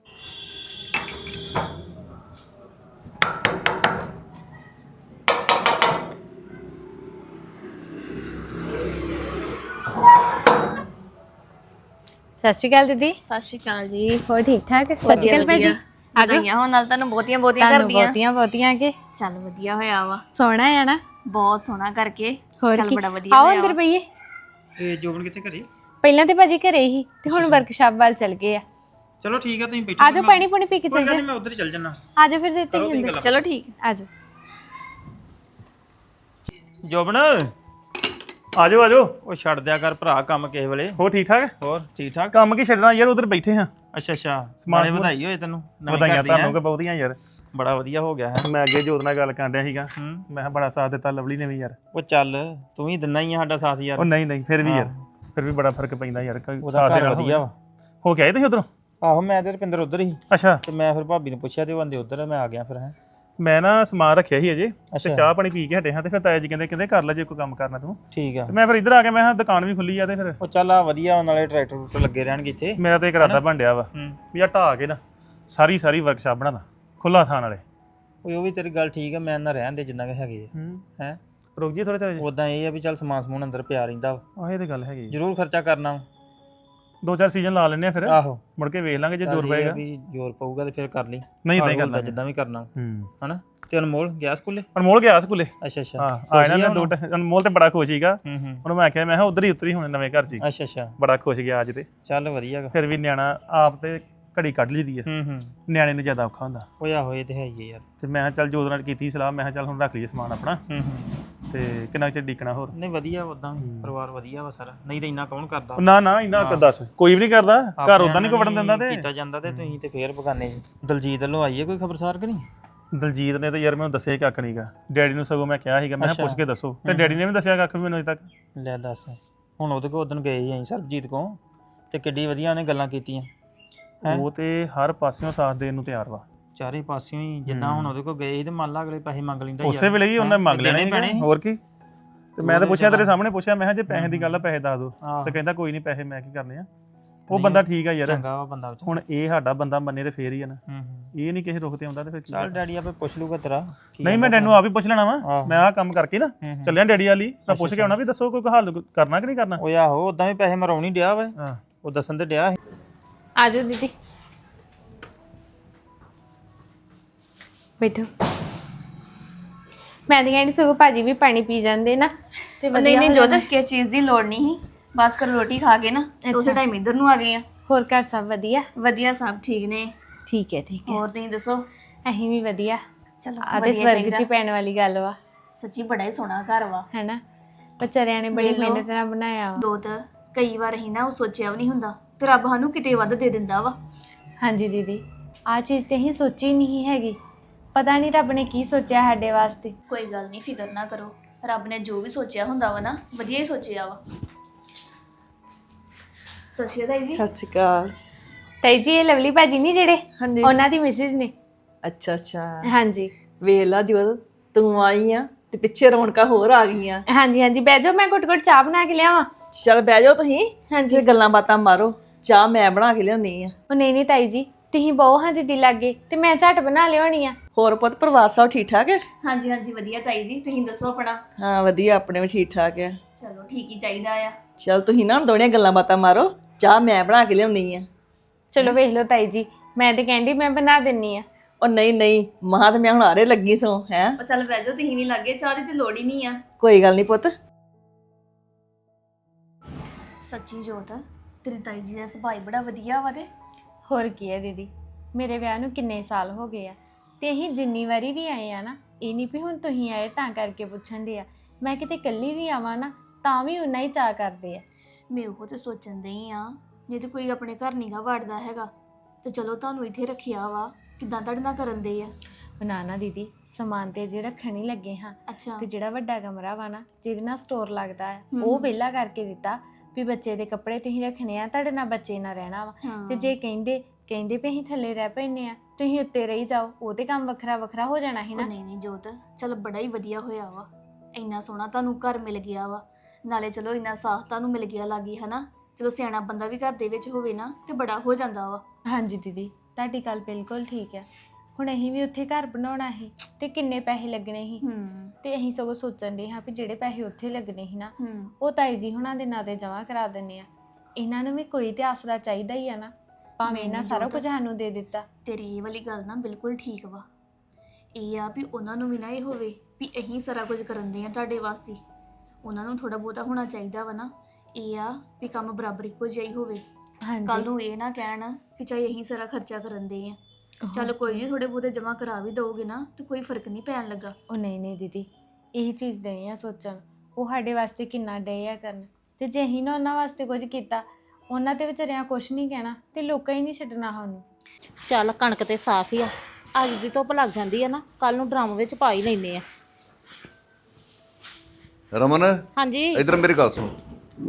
[SPEAKER 2] ਸਤਿ ਸ਼੍ਰੀ ਅਕਾਲ ਦੀਦੀ
[SPEAKER 5] ਸਤਿ ਸ਼੍ਰੀ ਅਕਾਲ ਜੀ
[SPEAKER 2] ਹੋਰ ਠੀਕ ਠਾਕ ਸਤਿ ਸ਼੍ਰੀ ਅਕਾਲ ਭਾਜੀ
[SPEAKER 5] ਆ ਜਾਈਆਂ ਹੁਣ ਨਾਲ ਤੁਹਾਨੂੰ ਬਹੁਤੀਆਂ ਬਹੁਤੀਆਂ
[SPEAKER 2] ਤੁਹਾਨੂੰ
[SPEAKER 5] ਕਰਦੀਆਂ
[SPEAKER 2] ਬਹੁਤੀਆਂ ਬਹੁਤੀਆਂ ਕੇ
[SPEAKER 5] ਚੱਲ ਵਧੀਆ ਹੋਇਆ ਵਾ
[SPEAKER 2] ਸੋਹਣਾ ਹੈ ਨਾ
[SPEAKER 5] ਬਹੁਤ ਸੋਹਣਾ ਕਰਕੇ
[SPEAKER 2] ਹੋਰ
[SPEAKER 5] ਚੱਲ
[SPEAKER 2] ਕੀ
[SPEAKER 5] ਬੜਾ ਵਧੀਆ
[SPEAKER 2] ਆਓ
[SPEAKER 5] ਹੋਇਆ
[SPEAKER 2] ਅੰਦਰ ਬਈਏ
[SPEAKER 1] ਤੇ ਜੋਬਨ ਕਿੱਥੇ ਘਰੇ
[SPEAKER 2] ਪਹਿਲਾਂ ਤੇ ਭਾਜੀ ਘਰੇ ਹੀ ਤੇ ਹੁਣ ਵਰਕਸ਼ਾਪ ਵੱਲ ਚਲ ਗਏ ਆ
[SPEAKER 1] ਚਲੋ ਠੀਕ ਆ ਤੁਸੀਂ ਬੈਠੋ
[SPEAKER 2] ਆਜੋ ਪਾਣੀ ਪੂਣੀ ਪੀ ਕੇ ਚੱਲ ਜਾ
[SPEAKER 1] ਮੈਂ ਉਧਰ ਹੀ ਚੱਲ ਜੰਨਾ
[SPEAKER 2] ਆਜੋ ਫਿਰ ਦਿੱਤੇ ਹੀ ਅੰਦਰ
[SPEAKER 5] ਚਲੋ ਠੀਕ
[SPEAKER 2] ਆਜੋ
[SPEAKER 6] ਜੋਬਨ
[SPEAKER 1] ਆਜੋ ਆਜੋ
[SPEAKER 6] ਉਹ ਛੱਡ ਦਿਆ ਕਰ ਭਰਾ ਕੰਮ ਕਿਸੇ ਵੇਲੇ
[SPEAKER 1] ਹੋ ਠੀਕ ਠਾਕ
[SPEAKER 6] ਹੋਰ ਠੀਕ ਠਾਕ
[SPEAKER 1] ਕੰਮ ਕੀ ਛੱਡਣਾ ਯਾਰ ਉਧਰ ਬੈਠੇ ਹਾਂ
[SPEAKER 6] ਅੱਛਾ ਅੱਛਾ
[SPEAKER 1] ਸਮਾਨ
[SPEAKER 6] ਮਾਰੇ ਵਧਾਈ ਹੋਏ ਤੈਨੂੰ ਨਵੀਂ
[SPEAKER 1] ਵਧਾਈਆਂ
[SPEAKER 6] ਘਰ ਦੀ ਹੈਂ?
[SPEAKER 1] ਤੁਹਾਨੂੰ ਕਿ ਬਹੁਤੀਆਂ ਯਾਰ
[SPEAKER 6] ਬੜਾ ਵਧੀਆ ਹੋ ਗਿਆ ਹੈ।
[SPEAKER 1] ਮੈਂ ਅੱਗੇ ਜੋਤ ਨਾਲ ਗੱਲ ਕਰਨ ਡਿਆ ਸੀਗਾ,
[SPEAKER 6] ਹੂੰ
[SPEAKER 1] ਮੈਂ ਕਿਹਾ ਬੜਾ ਸਾਥ ਦਿੱਤਾ ਲਵਲੀ ਨੇ ਵੀ ਯਾਰ।
[SPEAKER 6] ਉਹ ਚੱਲ ਤੂੰ ਹੀ ਦਿੰਨਾ ਹੀ ਆ ਸਾਡਾ ਸਾਥ ਯਾਰ।
[SPEAKER 1] ਉਹ ਨਹੀਂ ਨਹੀਂ ਫਿਰ ਵੀ ਯਾਰ, ਫਿਰ ਵੀ ਬੜਾ ਫਰਕ ਪੈਂਦਾ ਯਾਰ, ਕੋਈ
[SPEAKER 6] ਉਹਦਾ
[SPEAKER 1] ਸਾਥ ਦੇ
[SPEAKER 6] ਘਰ
[SPEAKER 1] ਨਾਲ
[SPEAKER 6] ਵਧੀਆ
[SPEAKER 1] ਹੋਵੇ।
[SPEAKER 6] ਵਾ।
[SPEAKER 1] ਹੋ ਕੇ ਆਏ ਤੁਸੀਂ ਉਧਰੋਂ?
[SPEAKER 6] ਆਹੋ ਮੈਂ ਤੇ ਰੁਪਿੰਦਰ ਉਧਰ ਹੀ
[SPEAKER 1] ਅੱਛਾ।
[SPEAKER 6] ਤੇ ਮੈਂ ਫਿਰ ਭਾਬੀ ਨੂੰ ਪੁੱਛਿਆ ਤੇ ਉਹ ਆਂਦੇ ਉਧਰ, ਮੈਂ ਆ ਗਿਆ ਫਿਰ ਹੈ।
[SPEAKER 1] ਮੈਂ ਨਾ ਸਮਾਨ ਰੱਖਿਆ ਸੀ ਅਜੇ, ਤੇ
[SPEAKER 6] ਅੱਛਾ।
[SPEAKER 1] ਚਾਹ ਪਾਣੀ ਪੀ ਕੇ ਹਟੇ ਹਾਂ, ਤੇ ਫਿਰ ਤਾਇਆ ਜੀ ਕਹਿੰਦੇ ਕਹਿੰਦੇ ਕਰ ਲੈ ਜੇ ਕੋਈ ਕੰਮ ਕਰਨਾ ਤੂੰ।
[SPEAKER 6] ਠੀਕ ਆ।
[SPEAKER 1] ਤੇ ਮੈਂ ਫਿਰ ਇੱਧਰ ਆ ਕੇ ਮੈਂ ਕਿਹਾ ਦੁਕਾਨ ਵੀ ਖੁੱਲੀ ਆ, ਤੇ ਫਿਰ
[SPEAKER 6] ਉਹ ਚੱਲ ਆ ਵਧੀਆ, ਨਾਲੇ ਟਰੈਕਟਰ ਟਰੂਕਟਰ ਲੱਗੇ ਰਹਿਣਗੇ ਇੱਥੇ।
[SPEAKER 1] ਮੇਰਾ ਤੇ ਇੱਕ ਇਰਾਦਾ ਬਣ ਡਿਆ ਵਾ
[SPEAKER 6] ਹੂੰ
[SPEAKER 1] ਵੀ ਆ ਢਾਹ ਕੇ ਨਾ ਸਾਰੀ ਸਾਰੀ ਵਰਕਸ਼ਾਪ ਬਣਾਦਾ ਖੁੱਲਾ ਥਾਂ ਨਾਲੇ।
[SPEAKER 6] ਉਹ ਉਹ ਵੀ ਤੇਰੀ ਗੱਲ ਠੀਕ ਆ, ਮੈਂ ਨਾ ਰਹਿਣ ਦੇ ਜਿੰਨਾ ਕਿ ਹੈਗੇ
[SPEAKER 1] ਹੂੰ
[SPEAKER 6] ਹੈ।
[SPEAKER 1] ਰੁਕ ਜੀ ਥੋੜੇ ਤੇ।
[SPEAKER 6] ਉਦਾਂ ਇਹ ਆ ਵੀ ਚੱਲ ਸਮਾਨ ਸਮੂਨ ਅੰਦਰ ਪਿਆ ਰਹਿੰਦਾ ਵਾ।
[SPEAKER 1] ਆਹ ਇਹ ਤੇ ਗੱਲ ਹੈਗੀ,
[SPEAKER 6] ਜ਼ਰੂਰ ਖਰਚਾ ਕਰਨਾ ਵਾ।
[SPEAKER 1] ਦੋ ਚਾਰ ਸੀਜ਼ਨ ਲਾ ਲੈਣੇ ਆ ਫਿਰ,
[SPEAKER 6] ਆਹੋ
[SPEAKER 1] ਮੁੜ ਕੇ ਵੇਖ ਲਾਂਗੇ ਜੇ
[SPEAKER 6] ਚੱਲ
[SPEAKER 1] ਜ਼ੋਰ
[SPEAKER 6] ਇਹ ਆ
[SPEAKER 1] ਪਏਗਾ।
[SPEAKER 6] ਵੀ ਜ਼ੋਰ ਪਊਗਾ ਤੇ ਫਿਰ ਕਰ ਲਈ।
[SPEAKER 1] ਨਹੀਂ
[SPEAKER 6] ਹਾਲ
[SPEAKER 1] ਨਹੀਂ
[SPEAKER 6] ਹੂਲ ਦਾ
[SPEAKER 1] ਕਰਨਾ
[SPEAKER 6] ਜਿੱਦਾਂ ਵੀ ਕਰਨਾ
[SPEAKER 1] ਹੂੰ।
[SPEAKER 6] ਹਨਾ। ਤੇ ਅਨਮੋਲ ਗਿਆ ਸਕੂਲੇ?
[SPEAKER 1] ਅਨਮੋਲ ਗਿਆ ਸਕੂਲੇ।
[SPEAKER 6] ਅੱਛਾ ਅੱਛਾ।
[SPEAKER 1] ਹਾਂ ਆ ਇਹਨਾਂ ਨੇ ਦੋ ਟ- ਅਨਮੋਲ ਤੇ ਬੜਾ ਖੁਸ਼ ਸੀਗਾ,
[SPEAKER 6] ਹੂੰ ਹੂੰ।
[SPEAKER 1] ਉਹਨੂੰ ਮੈਂ ਕਿਹਾ ਮੈਂ ਕਿਹਾ ਉਧਰ ਹੀ ਉਤਰੀ ਹੁਣ ਨਵੇਂ ਘਰ 'ਚ ਹੀ।
[SPEAKER 6] ਅੱਛਾ ਅੱਛਾ।
[SPEAKER 1] ਬੜਾ ਖੁਸ਼ ਗਿਆ ਅੱਜ ਤੇ।
[SPEAKER 6] ਚੱਲ ਵਧੀਆ ਗਾ।
[SPEAKER 1] ਫਿਰ ਵੀ ਨਿਆਣਾ ਆਪ ਤੇ ਘੜੀ ਕੱਢ ਲਈਦੀ ਆ,
[SPEAKER 6] ਹੂੰ ਹੂੰ।
[SPEAKER 1] ਨਿਆਣੇ ਨੂੰ ਜ਼ਿਆਦਾ ਔਖਾ ਹੁੰਦਾ।
[SPEAKER 6] ਉਹ ਆਹੋ ਇਹ ਤੇ ਹੈ ਹੀ ਆ ਯਾਰ।
[SPEAKER 1] ਤੇ ਮੈਂ ਕਿਹਾ ਚੱਲ ਜੋਤ ਨਾਲ ਕੀਤੀ ਸਲਾਹ, ਮੈਂ ਕਿਹਾ ਚੱਲ ਹੁਣ ਰੱਖ ਲਈਏ ਸਮਾਨ ਆਪਣਾ,
[SPEAKER 6] ਹੂੰ ਹੂੰ।
[SPEAKER 1] ਤੇ ਕਿੰਨਾ ਚਿਰ ਡੀਕਣਾ ਹੋਰ।
[SPEAKER 6] ਨਹੀਂ ਵਧੀਆ ਉਦਾਂ ਵੀ ਪਰਿਵਾਰ ਵਧੀਆ ਵਾ ਸਾਰਾ, ਨਹੀਂ ਤੇ ਇੰਨਾ ਕੌਣ ਕਰਦਾ।
[SPEAKER 1] ਉਹ ਨਾ ਨਾ ਇੰਨਾ ਕੁ ਦੱਸ, ਕੋਈ ਵੀ ਨਹੀਂ ਕਰਦਾ ਘਰ, ਉਦਾਂ ਨਹੀਂ ਕੋਈ ਵੜਨ ਦਿੰਦਾ। ਤੇ
[SPEAKER 6] ਕੀਤਾ ਜਾਂਦਾ ਤੇ ਤੁਸੀਂ ਤੇ ਫੇਰ ਬਗਾਨੇ ਜੀ। ਦਲਜੀਤ ਵੱਲੋਂ ਆਈ ਹੈ ਕੋਈ ਖਬਰਸਾਰ ਕਿ ਨਹੀਂ?
[SPEAKER 1] ਦਲਜੀਤ ਨੇ ਤਾਂ ਯਾਰ ਮੈਨੂੰ ਦੱਸਿਆ ਹੀ ਕੱਖ ਨਹੀਂਗਾ, ਡੈਡੀ ਨੂੰ ਸਗੋਂ ਮੈਂ ਕਿਹਾ ਸੀਗਾ, ਮੈਂ ਕਿਹਾ ਪੁੱਛ ਕੇ ਦੱਸੋ, ਤੇ ਡੈਡੀ ਨੇ ਵੀ ਦੱਸਿਆ ਕੱਖ ਵੀ ਮੈਨੂੰ ਅਜੇ ਤੱਕ।
[SPEAKER 6] ਲੈ ਦੱਸ, ਹੁਣ ਉਹਦੇ ਕੋਲ ਉਦੋਂ ਗਏ ਸੀ ਅਸੀਂ ਸਰਬਜੀਤ ਕੋਲ, ਤੇ ਕਿੱਡੀ ਵਧੀਆ ਉਹਨੇ ਗੱਲਾਂ ਕੀਤੀਆਂ।
[SPEAKER 1] ਉਹ ਤੇ ਹਰ ਪਾਸਿਓਂ ਸਾਥ ਦੇਣ ਨੂੰ ਤਿਆਰ ਵਾ,
[SPEAKER 6] ਚਾਰੇ ਪਾਸਿਓਂ ਹੀ। ਜਿੱਦਾਂ ਹੁਣ ਉਹਦੇ ਕੋਲ ਗਏ ਸੀ ਤੇ ਮੰਨ ਲਾ ਅਗਲੇ ਪੈਸੇ ਮੰਗ ਲੈਂਦਾ
[SPEAKER 1] ਉਸੇ ਵੇਲੇ ਹੀ ਉਹਨੇ ਮੰਗ ਲੈਣੇ
[SPEAKER 6] ਪੈਣੇ
[SPEAKER 1] ਸੀਗੇ, ਹੋਰ ਕੀ। ਤੇ ਮੈਂ ਤਾਂ ਪੁੱਛਿਆ ਤੇਰੇ ਸਾਹਮਣੇ ਪੁੱਛਿਆ, ਮੈਂ ਕਿਹਾ ਜੇ ਪੈਸੇ ਦੀ ਗੱਲ ਆ ਪੈਸੇ ਦੱਸ ਦੋ, ਤੇ ਕਹਿੰਦਾ ਕੋਈ ਨਹੀਂ ਪੈਸੇ ਮੈਂ ਕੀ ਕਰਨੇ ਆ। ਉਹ ਬੰਦਾ ਠੀਕ ਆ ਯਾਰ,
[SPEAKER 6] ਚੰਗਾ ਵਾ ਬੰਦਾ ਵਿੱਚ।
[SPEAKER 1] ਹੁਣ ਇਹ ਸਾਡਾ ਬੰਦਾ ਮੰਨੇ ਤੇ ਫੇਰ ਹੀ ਆ ਨਾ,
[SPEAKER 6] ਹੂੰ ਹੂੰ।
[SPEAKER 1] ਇਹ ਨਹੀਂ ਕਿਸੇ ਰੁਖ ਤੇ ਆਉਂਦਾ ਤੇ ਫਿਰ ਕੀ।
[SPEAKER 6] ਚੱਲ ਡੈਡੀ ਆਪੇ ਪੁੱਛ ਲੂਗਾ ਤੇਰਾ ਕੀ
[SPEAKER 1] ਨਹੀਂ ਮੈਂ ਡੈਡੀ ਨੂੰ ਆਪ ਹੀ ਪੁੱਛ ਲੈਣਾ ਵਾ,
[SPEAKER 6] ਆਹੋ।
[SPEAKER 1] ਮੈਂ ਆਹ ਕੰਮ ਕਰਕੇ ਨਾ
[SPEAKER 6] ਹੂੰ ਹੂੰ।
[SPEAKER 1] ਚੱਲਿਆ ਡੈਡੀ ਵਾਲੀ, ਮੈਂ ਪੁੱਛ ਕੇ ਆਉਣਾ ਵੀ ਦੱਸੋ ਕੋਈ ਹੱਲ ਕਰਨਾ ਕਿ ਨਹੀਂ ਕਰਨਾ।
[SPEAKER 6] ਉਹ ਆਹੋ ਉਦਾਂ ਵੀ ਪੈਸੇ ਮਰਾਉਣੀ ਡਿਆ ਵਾ,
[SPEAKER 1] ਹਾਂ
[SPEAKER 6] ਉਹ ਦੱਸਣ ਤੇ ਡਿਆ ਸੀ।
[SPEAKER 2] ਆ ਜਾਓ ਦੀਦੀ, ਬੈਠੋ। ਮੈਂ ਤਾਂ ਕਹਿੰਦੀ ਸਗੋਂ ਭਾਜੀ ਵੀ ਪਾਣੀ ਪੀ ਜਾਂਦੇ ਨਾ ਤੇ
[SPEAKER 5] ਨਹੀਂ
[SPEAKER 2] ਵਧੀਆ
[SPEAKER 5] ਨਹੀਂ
[SPEAKER 2] ਹੋ
[SPEAKER 5] ਜੋਤ
[SPEAKER 2] ਜਾਣਾ।
[SPEAKER 5] ਕਿਸ ਚੀਜ਼ ਦੀ ਲੋੜ ਨਹੀਂ ਸੀ, ਬਸ ਕਰ ਰੋਟੀ ਖਾ ਕੇ ਨਾ ਤੇ ਉਸੇ ਟਾਈਮ ਇੱਧਰ ਨੂੰ ਆ ਗਏ ਆ।
[SPEAKER 2] ਹੋਰ ਘਰ ਸਭ ਵਧੀਆ?
[SPEAKER 5] ਵਧੀਆ ਸਭ ਠੀਕ ਨੇ।
[SPEAKER 2] ਠੀਕ ਹੈ ਠੀਕ ਹੈ,
[SPEAKER 5] ਹੋਰ ਤੁਸੀਂ ਦੱਸੋ?
[SPEAKER 2] ਅਸੀਂ ਵੀ ਵਧੀਆ।
[SPEAKER 5] ਚਲੋ
[SPEAKER 2] ਆ ਤੇ ਸਵਰਗ 'ਚ ਹੀ ਪੈਣ ਵਾਲੀ ਗੱਲ ਵਾ,
[SPEAKER 5] ਸੱਚੀ ਬੜਾ ਹੀ ਸੋਹਣਾ ਘਰ ਵਾ।
[SPEAKER 2] ਹੈਨਾ। ਵਿਚਾਰਿਆਂ ਨੇ ਬੜੀ
[SPEAKER 5] ਵੇਖ ਲਓ।
[SPEAKER 2] ਮਿਹਨਤ ਨਾਲ ਬਣਾਇਆ ਵਾ।
[SPEAKER 5] ਦੋਤ ਕਈ ਵਾਰ ਅਸੀਂ ਨਾ ਉਹ ਸੋਚਿਆ ਵੀ ਨਹੀਂ ਹੁੰਦਾ ਤੇ ਰੱਬ ਸਾਨੂੰ ਕਿਤੇ ਵੱਧ ਦੇ ਦਿੰਦਾ ਵਾ।
[SPEAKER 2] ਹਾਂਜੀ ਦੀਦੀ, ਆਹ ਚੀਜ਼ ਤੇ ਅਸੀਂ ਸੋਚੀ ਨਹੀਂ ਹੈਗੀ, ਪਤਾ ਨਹੀਂ ਰੱਬ ਨੇ ਕੀ ਸੋਚਿਆ ਸਾਡੇ ਵਾਸਤੇ।
[SPEAKER 5] ਕੋਈ ਗੱਲ ਨਹੀਂ, ਫਿਕਰ ਨਾ ਕਰੋ, ਰੱਬ ਨੇ ਜੋ ਵੀ ਸੋਚਿਆ ਹੁੰਦਾ ਵਾ ਨਾ ਵਧੀਆ ਹੀ ਸੋਚਿਆ ਵਾ। ਸਤਿ ਸ਼੍ਰੀ ਅਕਾਲ ਜੀ।
[SPEAKER 3] ਸਤਿ ਸ਼੍ਰੀ ਅਕਾਲ।
[SPEAKER 2] ਤਾਈ ਜੀ ਇਹ ਲਵਲੀ ਭਾਜੀ ਨਹੀਂ ਜਿਹੜੇ,
[SPEAKER 3] ਹਾਂਜੀ।
[SPEAKER 2] ਉਹਨਾਂ ਦੀ ਮਿਸਿਸ ਨੇ।
[SPEAKER 3] ਅੱਛਾ ਅੱਛਾ,
[SPEAKER 2] ਹਾਂਜੀ
[SPEAKER 3] ਵੇਖ ਲਾ ਜੋਤ ਤੂੰ ਆਈ ਆ ਤੇ ਪਿੱਛੇ ਰੌਣਕਾਂ ਹੋਰ ਆ ਗਈਆਂ।
[SPEAKER 2] ਹਾਂਜੀ ਹਾਂਜੀ, ਬਹਿ ਜਾਓ, ਮੈਂ ਘੁੱਟ ਘੁੱਟ ਚਾਹ ਬਣਾ ਕੇ ਲਿਆਵਾਂ।
[SPEAKER 3] ਚੱਲ ਬਹਿ ਜਾਓ ਤੁਸੀਂ,
[SPEAKER 2] ਹਾਂਜੀ।
[SPEAKER 3] ਤੇ ਗੱਲਾਂ ਬਾਤਾਂ ਮਾਰੋ, ਚਾਹ ਮੈਂ ਬਣਾ ਕੇ ਲਿਆਉਣੀ ਆ।
[SPEAKER 2] ਉਹ ਨਹੀਂ ਨਹੀਂ ਤਾਈ ਜੀ, ਤੁਸੀਂ ਬਹੁ ਹਾਂ ਦੀਦੀ ਲਾਗੇ ਤੇ ਮੈਂ ਝਟ ਬਣਾ ਲਿਆਉਣੀ ਆ।
[SPEAKER 3] ਹੋਰ ਪੁੱਤ ਪਰਿਵਾਰ ਸਭ ਠੀਕ ਠਾਕ ਹੈ?
[SPEAKER 5] ਹਾਂਜੀ ਹਾਂਜੀ ਵਧੀਆ ਤਾਈ ਜੀ, ਤੁਸੀਂ ਦੱਸੋ ਆਪਣਾ?
[SPEAKER 3] ਹਾਂ ਵਧੀਆ, ਆਪਣੇ ਵੀ ਠੀਕ ਠਾਕ ਆ।
[SPEAKER 5] ਚਲੋ ਠੀਕ ਹੀ ਚਾਹੀਦਾ ਆ।
[SPEAKER 3] ਚੱਲ ਤੁਸੀਂ ਨਾ ਦੋਨੇ ਗੱਲਾਂ ਬਾਤਾਂ ਮਾਰੋ, ਚਾਹ ਮੈਂ ਬਣਾ ਕੇ ਲਿਆਉਣੀ ਆ।
[SPEAKER 2] ਚਲੋ ਵੇਖ ਲਓ ਤਾਈ ਜੀ, ਮੈਂ ਤੇ ਕਹਿੰਦੀ ਮੈਂ ਬਣਾ ਦਿੰਨੀ ਆ।
[SPEAKER 3] ਉਹ ਨਹੀਂ ਨਹੀਂ, ਮਹਾਂ ਤੇ ਮੈਂ ਹੁਣ ਆਰੇ ਲੱਗੀ ਸੋ ਹੈ।
[SPEAKER 5] ਉਹ ਚੱਲ ਬਹਿ ਜਾਓ, ਤੁਸੀਂ ਵੀ ਲੱਗੇ, ਚਾਹ ਦੀ ਤੇ ਲੋੜ ਹੀ ਨਹੀਂ ਆ।
[SPEAKER 3] ਕੋਈ ਗੱਲ ਨਹੀਂ ਪੁੱਤ।
[SPEAKER 5] ਸੱਚੀ ਜੋਤ ਤੇਰੀ ਤਾਈ ਜੀ ਦਾ ਸੁਭਾਅ ਹੀ ਬੜਾ ਵਧੀਆ ਵਾ। ਤੇ
[SPEAKER 2] ਹੋਰ ਕੀ ਹੈ ਦੀਦੀ, ਮੇਰੇ ਵਿਆਹ ਨੂੰ ਕਿੰਨੇ ਸਾਲ ਹੋ ਗਏ ਆ, ਤੇ ਅਸੀਂ ਜਿੰਨੀ ਵਾਰੀ ਵੀ ਆਏ ਆ ਨਾ, ਇਹ ਨਹੀਂ ਵੀ ਹੁਣ ਤੁਸੀਂ ਆਏ ਤਾਂ ਕਰਕੇ ਪੁੱਛਣ ਦੇ ਆ। ਮੈਂ ਕਿਤੇ ਇਕੱਲੀ ਵੀ ਆਵਾਂ ਨਾ ਤਾਂ ਵੀ ਉਨਾ ਹੀ ਚਾਅ ਕਰਦੇ ਆ।
[SPEAKER 5] ਮੈਂ ਉਹ ਤੇ ਸੋਚਣ ਦਈ ਆ, ਜੇ ਤੇ ਕੋਈ ਆਪਣੇ ਘਰ ਨੀਗਾ ਵੜਦਾ ਹੈਗਾ ਤੇ ਚਲੋ ਤੁਹਾਨੂੰ ਇੱਥੇ ਰੱਖਿਆ ਵਾ, ਕਿੱਦਾਂ ਤੁਹਾਡੇ ਨਾਲ ਕਰਨ ਦੇ ਆ।
[SPEAKER 2] ਨਾ ਨਾ ਦੀਦੀ, ਸਮਾਨ ਤੇ ਜੇ ਰੱਖਣ ਹੀ ਲੱਗੇ ਹਾਂ,
[SPEAKER 5] ਅੱਛਾ
[SPEAKER 2] ਤੇ ਜਿਹੜਾ ਵੱਡਾ ਕਮਰਾ ਵਾ ਨਾ ਜਿਹਦੇ ਨਾਲ ਸਟੋਰ ਲੱਗਦਾ ਹੈ, ਉਹ ਵਿਹਲਾ ਕਰਕੇ ਦਿੱਤਾ ਵੀ ਬੱਚੇ ਦੇ ਕੱਪੜੇ ਤੁਸੀਂ ਰੱਖਣੇ ਆ, ਤੁਹਾਡੇ ਨਾਲ ਬੱਚੇ ਨਾਲ ਰਹਿਣਾ ਵਾ।
[SPEAKER 5] ਹਾਂ।
[SPEAKER 2] ਤੇ ਜੇ ਕਹਿੰਦੇ ਕਹਿੰਦੇ ਵੀ ਅਸੀਂ ਥੱਲੇ ਰਹਿ ਪੈਨੇ ਆ, ਤੁਸੀਂ ਉੱਤੇ ਰਹੀ ਜਾਓ, ਉਹ ਤੇ ਕੰਮ ਵੱਖਰਾ ਵੱਖਰਾ ਹੋ ਜਾਣਾ ਸੀ
[SPEAKER 5] ਉਹ
[SPEAKER 2] ਨਾ।
[SPEAKER 5] ਨਹੀਂ ਨਹੀਂ ਜੋਤ, ਚਲ ਬੜਾ ਹੀ ਵਧੀਆ ਹੋਇਆ ਵਾ, ਇੰਨਾ ਸੋਹਣਾ ਤੁਹਾਨੂੰ ਘਰ ਮਿਲ ਗਿਆ ਵਾ, ਨਾਲੇ ਚਲੋ ਇੰਨਾ ਸਾਥ ਤੁਹਾਨੂੰ ਮਿਲ ਗਿਆ ਲਾਗੀ ਹਨਾ। ਚਲੋ ਸਿਆਣਾ ਬੰਦਾ ਵੀ ਘਰ ਦੇ ਵਿੱਚ ਹੋਵੇ ਨਾ ਤੇ ਬੜਾ ਹੋ ਜਾਂਦਾ ਵਾ।
[SPEAKER 2] ਹਾਂਜੀ ਦੀਦੀ, ਤੁਹਾਡੀ ਗੱਲ ਬਿਲਕੁਲ ਠੀਕ ਹੈ। ਹੁਣ ਅਸੀਂ ਵੀ ਉੱਥੇ ਘਰ ਬਣਾਉਣਾ ਸੀ ਤੇ ਕਿੰਨੇ ਪੈਸੇ ਲੱਗਣੇ ਸੀ,
[SPEAKER 5] ਹੂੰ
[SPEAKER 2] ਤੇ ਅਸੀਂ ਸਗੋਂ ਸੋਚਣ ਦੇ ਹਾਂ ਵੀ ਜਿਹੜੇ ਪੈਸੇ ਉੱਥੇ ਲੱਗਣੇ ਸੀ ਨਾ,
[SPEAKER 5] ਹੂੰ
[SPEAKER 2] ਉਹ ਤਾਈ ਜੀ ਹੁਣਾਂ ਦੇ ਨਾਂ ਤੇ ਜਮ੍ਹਾਂ ਕਰਾ ਦਿੰਨੇ ਆ। ਇਹਨਾਂ ਨੂੰ ਵੀ ਕੋਈ ਤੇ ਆਸਰਾ ਚਾਹੀਦਾ ਹੀ ਆ ਨਾ, ਭਾਵੇਂ ਇਹਨਾਂ ਸਾਰਾ ਕੁਝ ਸਾਨੂੰ ਦੇ ਦਿੱਤਾ।
[SPEAKER 5] ਤੇਰੀ ਇਹ ਵਾਲੀ ਗੱਲ ਨਾ ਬਿਲਕੁਲ ਠੀਕ ਵਾ। ਇਹ ਆ ਵੀ ਉਹਨਾਂ ਨੂੰ ਵੀ ਨਾ ਇਹ ਹੋਵੇ ਵੀ ਅਸੀਂ ਸਾਰਾ ਕੁਝ ਕਰਨ ਦੇ ਆ ਤੁਹਾਡੇ ਵਾਸਤੇ, ਉਹਨਾਂ ਨੂੰ ਥੋੜਾ ਬਹੁਤਾ ਹੋਣਾ ਚਾਹੀਦਾ ਵਾ ਨਾ। ਇਹ ਆ ਵੀ ਕੰਮ ਬਰਾਬਰ ਇੱਕੋ ਜਿਹਾ ਹੀ ਹੋਵੇ, ਕੱਲ
[SPEAKER 2] ਹਾਂਜੀ
[SPEAKER 5] ਨੂੰ ਇਹ ਨਾ ਕਹਿਣ ਵੀ ਚਾਹੇ ਅਸੀਂ ਸਾਰਾ ਖਰਚਾ ਕਰਨ ਦੇ ਆ। ਚੱਲ ਕੋਈ ਨਹੀਂ, ਥੋੜੇ ਬਹੁਤੇ ਜਮਾ ਕਰਾ ਵੀ ਦੋਗੇ ਨਾ ਤੇ ਕੋਈ ਫਰਕ ਨਹੀਂ ਪੈਣ ਲੱਗਾ।
[SPEAKER 2] ਉਹ ਨਹੀਂ ਨਹੀਂ ਦੀਦੀ, ਇਹ ਚੀਜ਼ ਡਏ ਆ ਸੋਚਣ, ਉਹ ਸਾਡੇ ਵਾਸਤੇ ਕਿੰਨਾ ਡਏ ਆ ਕਰਨ, ਤੇ ਜੇ ਅਸੀਂ ਨਾ ਉਹਨਾਂ ਵਾਸਤੇ ਕੁਝ ਕੀਤਾ, ਉਹਨਾਂ ਤੇ ਵਿਚਾਰਿਆਂ ਕੁਝ ਨਹੀਂ ਕਹਿਣਾ ਤੇ ਲੋਕਾਂ ਹੀ ਨਹੀਂ ਛੱਡਣਾ ਸਾਨੂੰ।
[SPEAKER 7] ਚੱਲ ਕਣਕ ਤੇ ਸਾਫ਼ ਹੀ ਆ, ਅੱਜ ਦੀ ਧੁੱਪ ਲੱਗ ਜਾਂਦੀ ਹੈ ਨਾ, ਕੱਲ ਨੂੰ ਡਰਮ ਵਿੱਚ ਪਾ ਹੀ ਲੈਨੇ ਆ।
[SPEAKER 8] ਰਮਨ
[SPEAKER 7] ਹਾਂਜੀ
[SPEAKER 8] ਇਧਰ ਮੇਰੀ ਗੱਲ ਸੁਣ।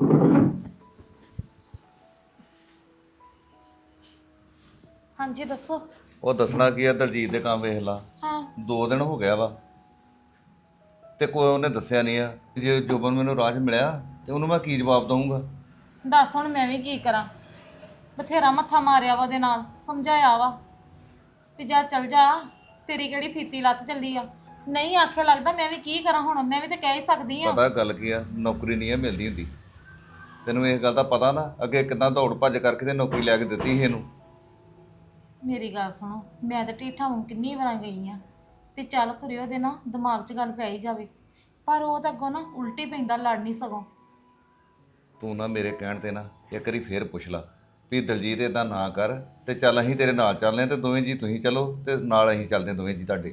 [SPEAKER 7] ਹਾਂਜੀ ਦੱਸੋ।
[SPEAKER 8] ਉਹ ਦੱਸਣਾ ਕੀ ਆ, ਦਲਜੀਤ ਦੇ ਕੰਮ ਵੇਖ ਲਾ।
[SPEAKER 7] ਹਾਂ
[SPEAKER 8] ਦੋ ਦਿਨ ਹੋ ਗਿਆ ਵਾ ਤੇ ਕੋਈ ਉਹਨੇ ਦੱਸਿਆ ਨਹੀਂ ਆ। ਜੇ ਜੋਬਨ ਮੈਨੂੰ ਰਾਹ 'ਚ ਮਿਲਿਆ ਤੇ ਉਹਨੂੰ ਮੈਂ ਕੀ ਜਵਾਬ ਦਊਂਗਾ?
[SPEAKER 7] ਦੱਸ ਹੁਣ ਮੈਂ ਵੀ ਕੀ ਕਰਾਂ, ਬਥੇਰਾ ਮੱਥਾ ਮਾਰਿਆ ਵਾ ਉਹਦੇ ਨਾਲ, ਸਮਝਾਇਆ ਵਾ ਵੀ ਜਾ ਚੱਲ ਜਾ, ਤੇਰੀ ਕਿਹੜੀ ਫੀਤੀ ਲੱਤ ਚੱਲੀ ਆ। ਨਹੀਂ ਆਖਿਆ ਲੱਗਦਾ, ਮੈਂ ਵੀ ਕੀ ਕਰਾਂ ਹੁਣ, ਮੈਂ ਵੀ ਤੇ ਕਹਿ ਹੀ ਸਕਦੀ ਆ।
[SPEAKER 8] ਪਤਾ ਗੱਲ ਕੀ ਆ, ਨੌਕਰੀ ਨਹੀਂ ਆ ਮਿਲਦੀ ਹੁੰਦੀ। ਤੈਨੂੰ ਇਸ ਗੱਲ ਦਾ ਪਤਾ ਨਾ, ਅੱਗੇ ਕਿੱਦਾਂ ਦੌੜ ਭੱਜ ਕਰਕੇ ਤੇ ਨੌਕਰੀ ਲੈ ਕੇ ਦਿੱਤੀ ਸੀ ਇਹਨੂੰ।
[SPEAKER 7] ਮੇਰੀ ਗੱਲ ਸੁਣੋ, ਮੈਂ ਤਾਂ ਢੀਠਾਂ ਵਾਂਗ ਕਿੰਨੀ ਵਾਰਾਂ ਗਈ ਆ ਤੇ ਚੱਲ ਖਰੇ ਉਹਦੇ ਨਾ ਦਿਮਾਗ 'ਚ ਗੱਲ ਪੈ ਹੀ ਜਾਵੇ, ਪਰ ਉਹ ਤਾਂ ਅੱਗੋਂ ਨਾ ਉਲਟੀ ਪੈਂਦਾ, ਲੜ ਨਹੀਂ ਸਗੋਂ।
[SPEAKER 8] ਤੂੰ ਨਾ ਮੇਰੇ ਕਹਿਣ ਤੇ ਨਾ ਇੱਕ ਵਾਰੀ ਫੇਰ ਪੁੱਛ ਲਾ ਵੀ ਦਲਜੀਤ ਇਦਾਂ ਨਾ ਕਰ ਤੇ ਚੱਲ ਅਸੀਂ ਤੇਰੇ ਨਾਲ ਚੱਲਦੇ ਹਾਂ ਤੇ ਦੋਵੇਂ ਜੀ ਤੁਸੀਂ ਚਲੋ ਤੇ ਨਾਲ ਅਸੀਂ ਚੱਲਦੇ ਹਾਂ ਦੋਵੇਂ ਜੀ ਤੁਹਾਡੇ।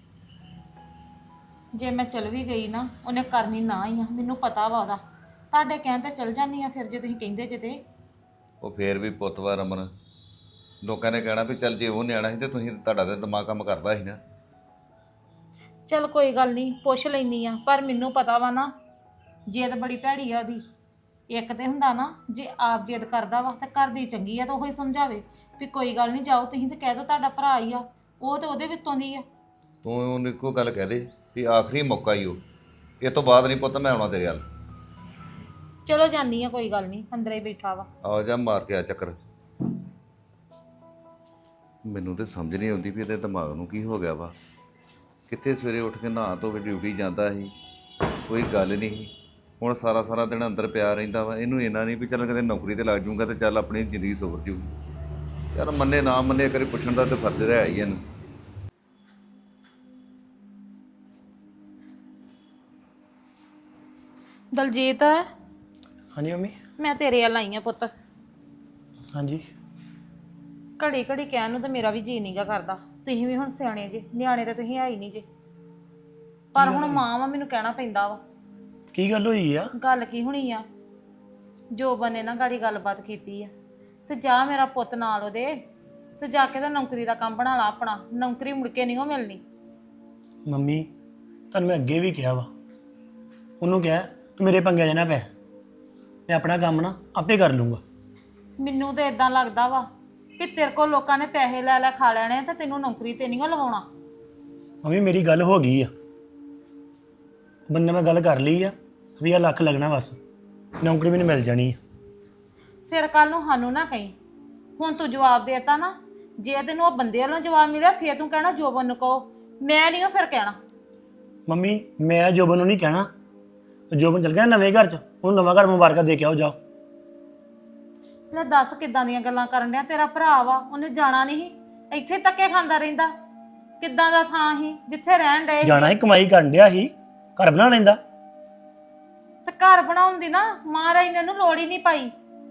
[SPEAKER 7] ਜੇ ਮੈਂ ਚਲ ਵੀ ਗਈ ਨਾ, ਉਹਨੇ ਕਰਨੀ ਨਾ ਹੀ ਆ, ਮੈਨੂੰ ਪਤਾ ਵਾ ਉਹਦਾ। ਤੁਹਾਡੇ ਕਹਿਣ ਤੇ ਚਲ ਜਾਂਦੀ ਆ, ਫਿਰ ਜੇ ਤੁਸੀਂ ਕਹਿੰਦੇ ਜੇ ਤੇ।
[SPEAKER 8] ਉਹ ਫੇਰ ਵੀ ਪੁੱਤ ਵਾ ਰਮਨ, ਲੋਕਾਂ ਨੇ ਕਹਿਣਾ ਵੀ ਚੱਲ ਜੇ ਉਹ ਨਿਆਣਾ ਸੀ ਤੇ ਤੁਸੀਂ, ਤੁਹਾਡਾ ਤਾਂ ਦਿਮਾਗ ਕੰਮ ਕਰਦਾ ਸੀ ਨਾ।
[SPEAKER 7] ਚਲ ਕੋਈ ਗੱਲ ਨਹੀਂ, ਪੁੱਛ ਲੈਂਦੀ ਆ, ਪਰ ਮੈਨੂੰ ਪਤਾ ਵਾ ਨਾ ਜਿੱਦ ਬੜੀ ਭੈੜੀ ਆ ਉਹਦੀ। ਇੱਕ ਤੇ ਹੁੰਦਾ ਨਾ, ਜੇ ਆਪ ਜਿੱਦ ਕਰਦਾ ਵਾ ਤਾਂ ਘਰ ਦੀ ਚੰਗੀ ਆ ਤਾਂ ਉਹ ਹੀ ਸਮਝਾਵੇ ਵੀ ਕੋਈ ਗੱਲ ਨਹੀਂ ਜਾਓ ਤੁਸੀਂ, ਤੇ ਕਹਿ ਦਿਓ ਤੁਹਾਡਾ ਭਰਾ ਹੀ ਆ, ਉਹ ਤੇ ਉਹਦੇ ਵਿੱਚੋਂ ਦੀ ਆ।
[SPEAKER 8] ਤੂੰ ਉਹਨੂੰ ਇੱਕੋ ਗੱਲ ਕਹਿ ਦੇ ਵੀ ਆਖਰੀ ਮੌਕਾ ਹੀ ਉਹ, ਇਹ ਤੋਂ ਬਾਅਦ ਨਹੀਂ ਪੁੱਤ ਮੈਂ ਆਉਣਾ ਤੇਰੇ ਵੱਲ।
[SPEAKER 7] ਚਲੋ ਜਾਨੀ ਆ, ਕੋਈ ਗੱਲ ਨਹੀਂ, ਅੰਦਰ ਹੀ ਬੈਠਾ ਵਾ।
[SPEAKER 8] ਆ ਜਾ ਮਾਰ ਕੇ ਆ ਚੱਕਰ। ਮੈਨੂੰ ਤੇ ਸਮਝ ਨਹੀਂ ਆਉਂਦੀ ਵੀ ਇਹਦੇ ਦਿਮਾਗ ਨੂੰ ਕੀ ਹੋ ਗਿਆ ਵਾ। ਕਿੱਥੇ ਸਵੇਰੇ ਉੱਠ ਕੇ ਨਹਾ ਧੋ ਕੇ ਡਿਊਟੀ ਜਾਂਦਾ ਸੀ, ਕੋਈ ਗੱਲ ਨਹੀਂ ਸੀ। ਹੁਣ ਸਾਰਾ ਸਾਰਾ ਦਿਨ ਅੰਦਰ ਪਿਆ ਰਹਿੰਦਾ ਵਾ। ਇਹਨੂੰ ਇੰਨਾ ਨਹੀਂ ਵੀ ਚੱਲ ਕਦੇ ਨੌਕਰੀ ਤੇ ਲੱਗ ਜਾਊਗਾ ਤੇ ਚੱਲ ਆਪਣੀ ਜ਼ਿੰਦਗੀ ਸੁਧਰ ਜੂਗੀ। ਯਾਰ ਮੰਨੇ ਨਾ ਮੰਨੇ, ਕਰੇ ਪੁੱਛਣ ਦਾ ਤੇ ਫਰਜ਼ ਹੈ ਹੀ ਇਹਨੂੰ।
[SPEAKER 7] ਦਲਜੀਤ,
[SPEAKER 1] ਹਾਂਜੀ ਮੰਮੀ।
[SPEAKER 7] ਮੈਂ ਤੇਰੇ ਵੱਲ ਆਈ ਆ ਪੁੱਤ।
[SPEAKER 1] ਹਾਂਜੀ
[SPEAKER 7] ਘੜੀ ਘੜੀ ਕਹਿਣ ਨੂੰ ਤਾਂ ਮੇਰਾ ਵੀ ਜੀ ਨਹੀਂਗਾ ਕਰਦਾ, ਤੁਸੀਂ ਵੀ ਹੁਣ ਸਿਆਣੇ ਜੇ, ਨਿਆਣੇ ਤਾਂ ਤੁਸੀਂ ਹੈ ਹੀ ਨਹੀਂ ਜੇ, ਪਰ ਹੁਣ ਮਾਂ ਵਾ, ਮੈਨੂੰ ਕਹਿਣਾ ਪੈਂਦਾ ਵਾ।
[SPEAKER 1] ਕੀ ਗੱਲ ਹੋਈ ਆ?
[SPEAKER 7] ਗੱਲ ਕੀ ਹੋਣੀ ਆ, ਜੋਬਨ ਨੇ ਨਾ ਗਾੜੀ ਗੱਲਬਾਤ ਕੀਤੀ ਆ, ਤੇ ਜਾ ਮੇਰਾ ਪੁੱਤ ਨਾਲ ਉਹਦੇ, ਤੇ ਜਾ ਕੇ ਤਾਂ ਨੌਕਰੀ ਦਾ ਕੰਮ ਬਣਾ ਲਾ ਆਪਣਾ। ਨੌਕਰੀ ਮੁੜ ਕੇ ਨਹੀਂ ਉਹ ਮਿਲਣੀ।
[SPEAKER 1] ਮੰਮੀ ਤੁਹਾਨੂੰ ਮੈਂ ਅੱਗੇ ਵੀ ਕਿਹਾ ਵਾ, ਉਹਨੂੰ ਕਿਹਾ ਤੂੰ ਮੇਰੇ ਪੰਗੇ 'ਚ ਨਾ ਪੈ, ਮੈਂ ਆਪਣਾ ਕੰਮ ਨਾ ਆਪੇ ਕਰ ਲੂੰਗਾ।
[SPEAKER 7] ਮੈਨੂੰ ਤਾਂ ਇਦਾਂ ਲੱਗਦਾ ਵਾ ਕਿ ਤੇਰੇ ਕੋਲ ਲੋਕਾਂ ਨੇ ਪੈਸੇ ਲੈ ਲੈ ਖਾ ਲੈਣੇ ਤੇ ਤੈਨੂੰ ਨੌਕਰੀ ਤੇ ਨਹੀਂ ਲਵਾਉਣਾ।
[SPEAKER 1] ਮੰਮੀ ਮੇਰੀ ਗੱਲ ਹੋ ਗਈ ਆ, ਬੰਦੇ ਮੈਂ ਗੱਲ ਕਰ ਲਈ ਆ, ਵੀਹ ਲੱਖ ਲੱਗਣਾ ਬਸ, ਨੌਕਰੀ ਮੈਨੂੰ ਮਿਲ ਜਾਣੀ ਆ।
[SPEAKER 7] ਫਿਰ ਕੱਲ ਨੂੰ ਸਾਨੂੰ ਨਾ ਕਹੀਂ, ਹੁਣ ਤੂੰ ਜਵਾਬ ਦੇਤਾ ਨਾ, ਜੇ ਤੈਨੂੰ ਉਹ ਬੰਦੇ ਵੱਲੋਂ ਜਵਾਬ ਮਿਲਿਆ ਫਿਰ ਤੂੰ ਕਹਿਣਾ ਜੋਬਨ ਨੂੰ ਕਹੋ, ਮੈਂ ਨਹੀਂ ਉਹ ਫਿਰ ਕਹਿਣਾ।
[SPEAKER 1] ਮੰਮੀ ਮੈਂ ਜੋਬਨ ਨੂੰ ਨਹੀਂ ਕਹਿਣਾ, ਜੋਬਨ ਚਲ ਗਿਆ ਨਵੇਂ ਘਰ 'ਚ, ਉਹਨੂੰ ਨਵਾਂ ਘਰ ਮੁਬਾਰਕਾਂ ਦੇ ਕੇ ਆਓ ਜਾਓ।
[SPEAKER 7] ਲੈ ਦੱਸ ਕਿੱਦਾਂ ਦੀਆਂ ਗੱਲਾਂ ਕਰਨ ਡਿਆ, ਤੇਰਾ ਭਰਾ ਵਾ, ਉਹਨੇ ਜਾਣਾ ਨਹੀਂ ਸੀ, ਇੱਥੇ ਧੱਕੇ ਖਾਂਦਾ ਰਹਿੰਦਾ। ਕਿੱਦਾਂ ਦਾ ਥਾਂ ਸੀ ਜਿੱਥੇ ਰਹਿਣ ਡਏ ਸੀ।
[SPEAKER 1] ਜਾਣਾ ਹੀ ਕਮਾਈ ਕਰਨ ਡਿਆ ਸੀ, ਘਰ ਬਣਾ ਲੈਂਦਾ।
[SPEAKER 7] ਤੇ ਘਰ ਬਣਾਉਣ ਦੀ ਨਾ ਮਹਾਰਾਜ ਨੇ ਇਹਨੂੰ ਲੋੜ ਹੀ ਨਹੀਂ ਪਾਈ।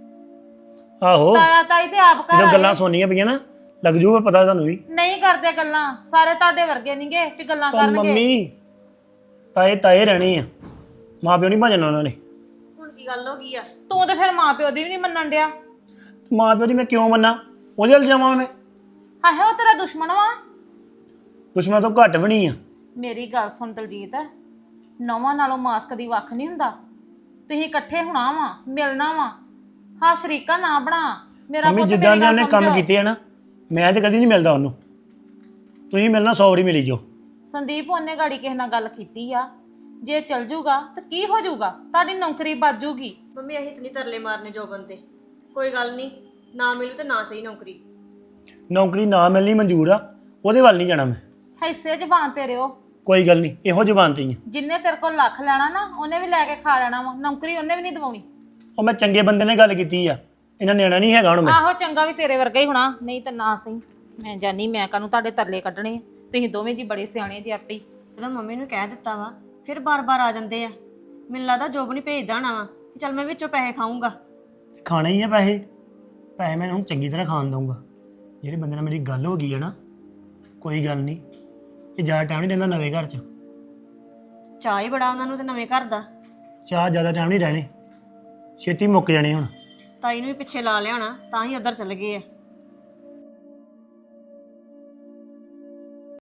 [SPEAKER 1] ਆਹੋ
[SPEAKER 7] ਤਾਇਆ ਤਾਈ ਤੇ ਆਪ ਘਰ
[SPEAKER 1] ਜਦੋਂ
[SPEAKER 7] ਆਏ।
[SPEAKER 1] ਗੱਲਾਂ ਸੁਣਨੀਆਂ ਪਈਆਂ ਨਾ, ਲੱਗ ਜੂਗਾ ਪਤਾ ਤੁਹਾਨੂੰ ਵੀ।
[SPEAKER 7] ਨਹੀਂ ਕਰਦੇ ਗੱਲਾਂ, ਸਾਰੇ ਤੁਹਾਡੇ ਵਰਗੇ ਨਹੀਂਗੇ ਵੀ ਗੱਲਾਂ
[SPEAKER 1] ਪਰ
[SPEAKER 7] ਕਰਨਗੇ।
[SPEAKER 1] ਮੰਮੀ ਤਾਏ ਤਾਏ ਰਹਿਣੇ ਆ, ਮਾਂ ਪਿਓ ਨਹੀਂ ਭਜਣਾ ਉਹਨਾਂ ਨੇ।
[SPEAKER 5] ਹੁਣ ਕੀ ਗੱਲ ਹੋ ਗਈ ਆ?
[SPEAKER 7] ਤੂੰ ਤੇ ਫਿਰ ਮਾਂ ਪਿਓ ਦੀ ਵੀ ਨਹੀਂ ਮੰਨਣ ਡਿਆ।
[SPEAKER 1] ਮਾਂ ਪਿਓ ਦੀ ਮੈਂ ਕਿਉਂ ਮੰਨਾਂ, ਉਹਦੇ ਵੱਲ ਜਾਵਾਂ ਮੈਂ?
[SPEAKER 7] ਹਾਏ ਉਹ ਤੇਰਾ ਦੁਸ਼ਮਣ ਵਾ।
[SPEAKER 1] ਦੁਸ਼ਮਣ ਤੋਂ ਘੱਟ ਵੀ ਨਹੀਂ ਆ।
[SPEAKER 7] ਮੇਰੀ ਗੱਲ ਸੁਣ ਦਲਜੀਤ, ਨੌਵਾਂ ਨਾਲੋਂ ਮਾਸਕ ਦੀ ਵੱਖ ਨਹੀਂ ਹੁੰਦਾ। ਤੁਸੀਂ ਇਕੱਠੇ ਹੋਣਾ ਵਾ, ਮਿਲਣਾ ਵਾ, ਹਾਂ ਸ਼ਰੀਕਾ ਨਾ ਬਣਾ। ਮੇਰਾ
[SPEAKER 1] ਮੰਮੀ
[SPEAKER 7] ਪੁੱਤ
[SPEAKER 1] ਜਿੱਦਾਂ
[SPEAKER 7] ਮੇਰੀ
[SPEAKER 1] ਦੇ
[SPEAKER 7] ਗੱਲ
[SPEAKER 1] ਉਹਨੇ ਕੰਮ
[SPEAKER 7] ਸਮਝੋ।
[SPEAKER 1] ਕੀਤੇ ਆ ਨਾ, ਮੈਂ ਤੇ ਕਦੀ ਨਹੀਂ ਮਿਲਦਾ ਉਹਨੂੰ। ਤੁਸੀਂ ਮਿਲਣਾ ਸੌ ਵਾਰੀ ਮਿਲੀ ਜੋ।
[SPEAKER 7] ਸੰਦੀਪ ਉਹਨੇ ਗਾੜੀ ਕਿਸੇ ਨਾਲ ਗੱਲ ਕੀਤੀ ਆ, ਜੇ ਚਲ ਜੂਗਾ ਤਾਂ ਕੀ ਹੋ ਜਾਊਗਾ, ਤੁਹਾਡੀ ਨੌਕਰੀ ਬਚ ਜੂਗੀ।
[SPEAKER 9] ਮੰਮੀ ਅਸੀਂ ਇਤਨੀ ਤਰਲੇ ਮਾਰਨੇ ਜੋਬਨ ਤੇ, ਕੋਈ ਗੱਲ ਨਹੀਂ, ਨਾ ਮਿਲੂ ਤੇ ਨਾ ਸਹੀ ਨੌਕਰੀ।
[SPEAKER 1] ਨੌਕਰੀ ਨਾ ਮਿਲਣੀ ਮਨਜ਼ੂਰ ਆ, ਉਹਦੇ ਵੱਲ ਨਹੀਂ ਜਾਣਾ ਮੈਂ।
[SPEAKER 7] ਹਿੱਸੇ ਜ਼ਬਾਨ ਤੇ ਰਿਓ।
[SPEAKER 1] ਕੋਈ ਗੱਲ ਨਹੀਂ, ਇਹੋ ਜ਼ਬਾਨ ਤੇ ਹੀ ਆ।
[SPEAKER 7] ਜਿੰਨੇ ਤੇਰੇ ਕੋਲ ਲੱਖ ਲੈਣਾ ਨਾ, ਉਹਨੇ ਵੀ ਲੈ ਕੇ ਖਾ ਲੈਣਾ ਵਾ, ਨੌਕਰੀ ਉਹਨੇ ਵੀ ਨਹੀਂ ਦਵਾਉਣੀ।
[SPEAKER 1] ਉਹ ਮੈਂ ਚੰਗੇ ਬੰਦੇ ਨੇ ਗੱਲ ਕੀਤੀ ਆ, ਇਹਨਾਂ ਨਿਆਣਾ ਨਹੀਂ ਹੈਗਾ ਹੁਣ ਮੈਂ।
[SPEAKER 7] ਆਹੋ ਚੰਗਾ ਵੀ ਤੇਰੇ ਵਰਗਾ ਹੀ ਹੋਣਾ, ਨਹੀਂ ਤਾਂ ਨਾ ਸਹੀ। ਮੈਂ ਜਾਨੀ, ਮੈਂ ਕਾਹਨੂੰ ਤੁਹਾਡੇ ਤਰਲੇ ਕੱਢਣੇ ਆ, ਤੁਸੀਂ ਦੋਵੇਂ ਜੀ ਬੜੇ ਸਿਆਣੇ ਜੀ ਆਪੇ ਹੀ।
[SPEAKER 9] ਜਦੋਂ ਮੰਮੀ ਨੂੰ ਕਹਿ ਦਿੱਤਾ ਵਾ ਫਿਰ ਬਾਰ-ਬਾਰ ਆ ਜਾਂਦੇ ਆ। ਮੈਨੂੰ ਲੱਗਦਾ ਜੋਬ ਨਹੀਂ ਭੇਜਦਾ ਹੋਣਾ ਵਾ ਕਿ ਚੱਲ ਮੈਂ ਵਿੱਚੋਂ ਪੈਸੇ ਖਾਊਂਗਾ।
[SPEAKER 1] ਖਾਣੇ ਹੀ ਆ ਪੈਸੇ, ਪੈਸੇ ਮੈਂ ਹੁਣ ਚੰਗੀ ਤਰ੍ਹਾਂ ਖਾਣ ਦਊਂਗਾ। ਜਿਹੜੇ ਬੰਦੇ ਨਾਲ ਮੇਰੀ ਗੱਲ ਹੋ ਗਈ ਹੈ ਨਾ, ਕੋਈ ਗੱਲ ਨਹੀਂ, ਇਹ ਜ਼ਿਆਦਾ ਟਾਈਮ ਨਹੀਂ ਰਹਿੰਦਾ ਨਵੇਂ ਘਰ 'ਚ।
[SPEAKER 9] ਚਾਹ ਹੀ ਬੜਾ ਉਹਨਾਂ ਨੂੰ ਤੇ ਨਵੇਂ ਘਰ ਦਾ।
[SPEAKER 1] ਚਾਹ ਜ਼ਿਆਦਾ ਟਾਈਮ ਨਹੀਂ ਰਹਿਣੇ, ਛੇਤੀ ਮੁੱਕ ਜਾਣੇ ਹੁਣ।
[SPEAKER 9] ਤਾਈ ਨੂੰ ਵੀ ਪਿੱਛੇ ਲਾ ਲਿਆਉਣਾ, ਤਾਂ ਹੀ ਉੱਧਰ ਚੱਲ ਗਏ ਆ।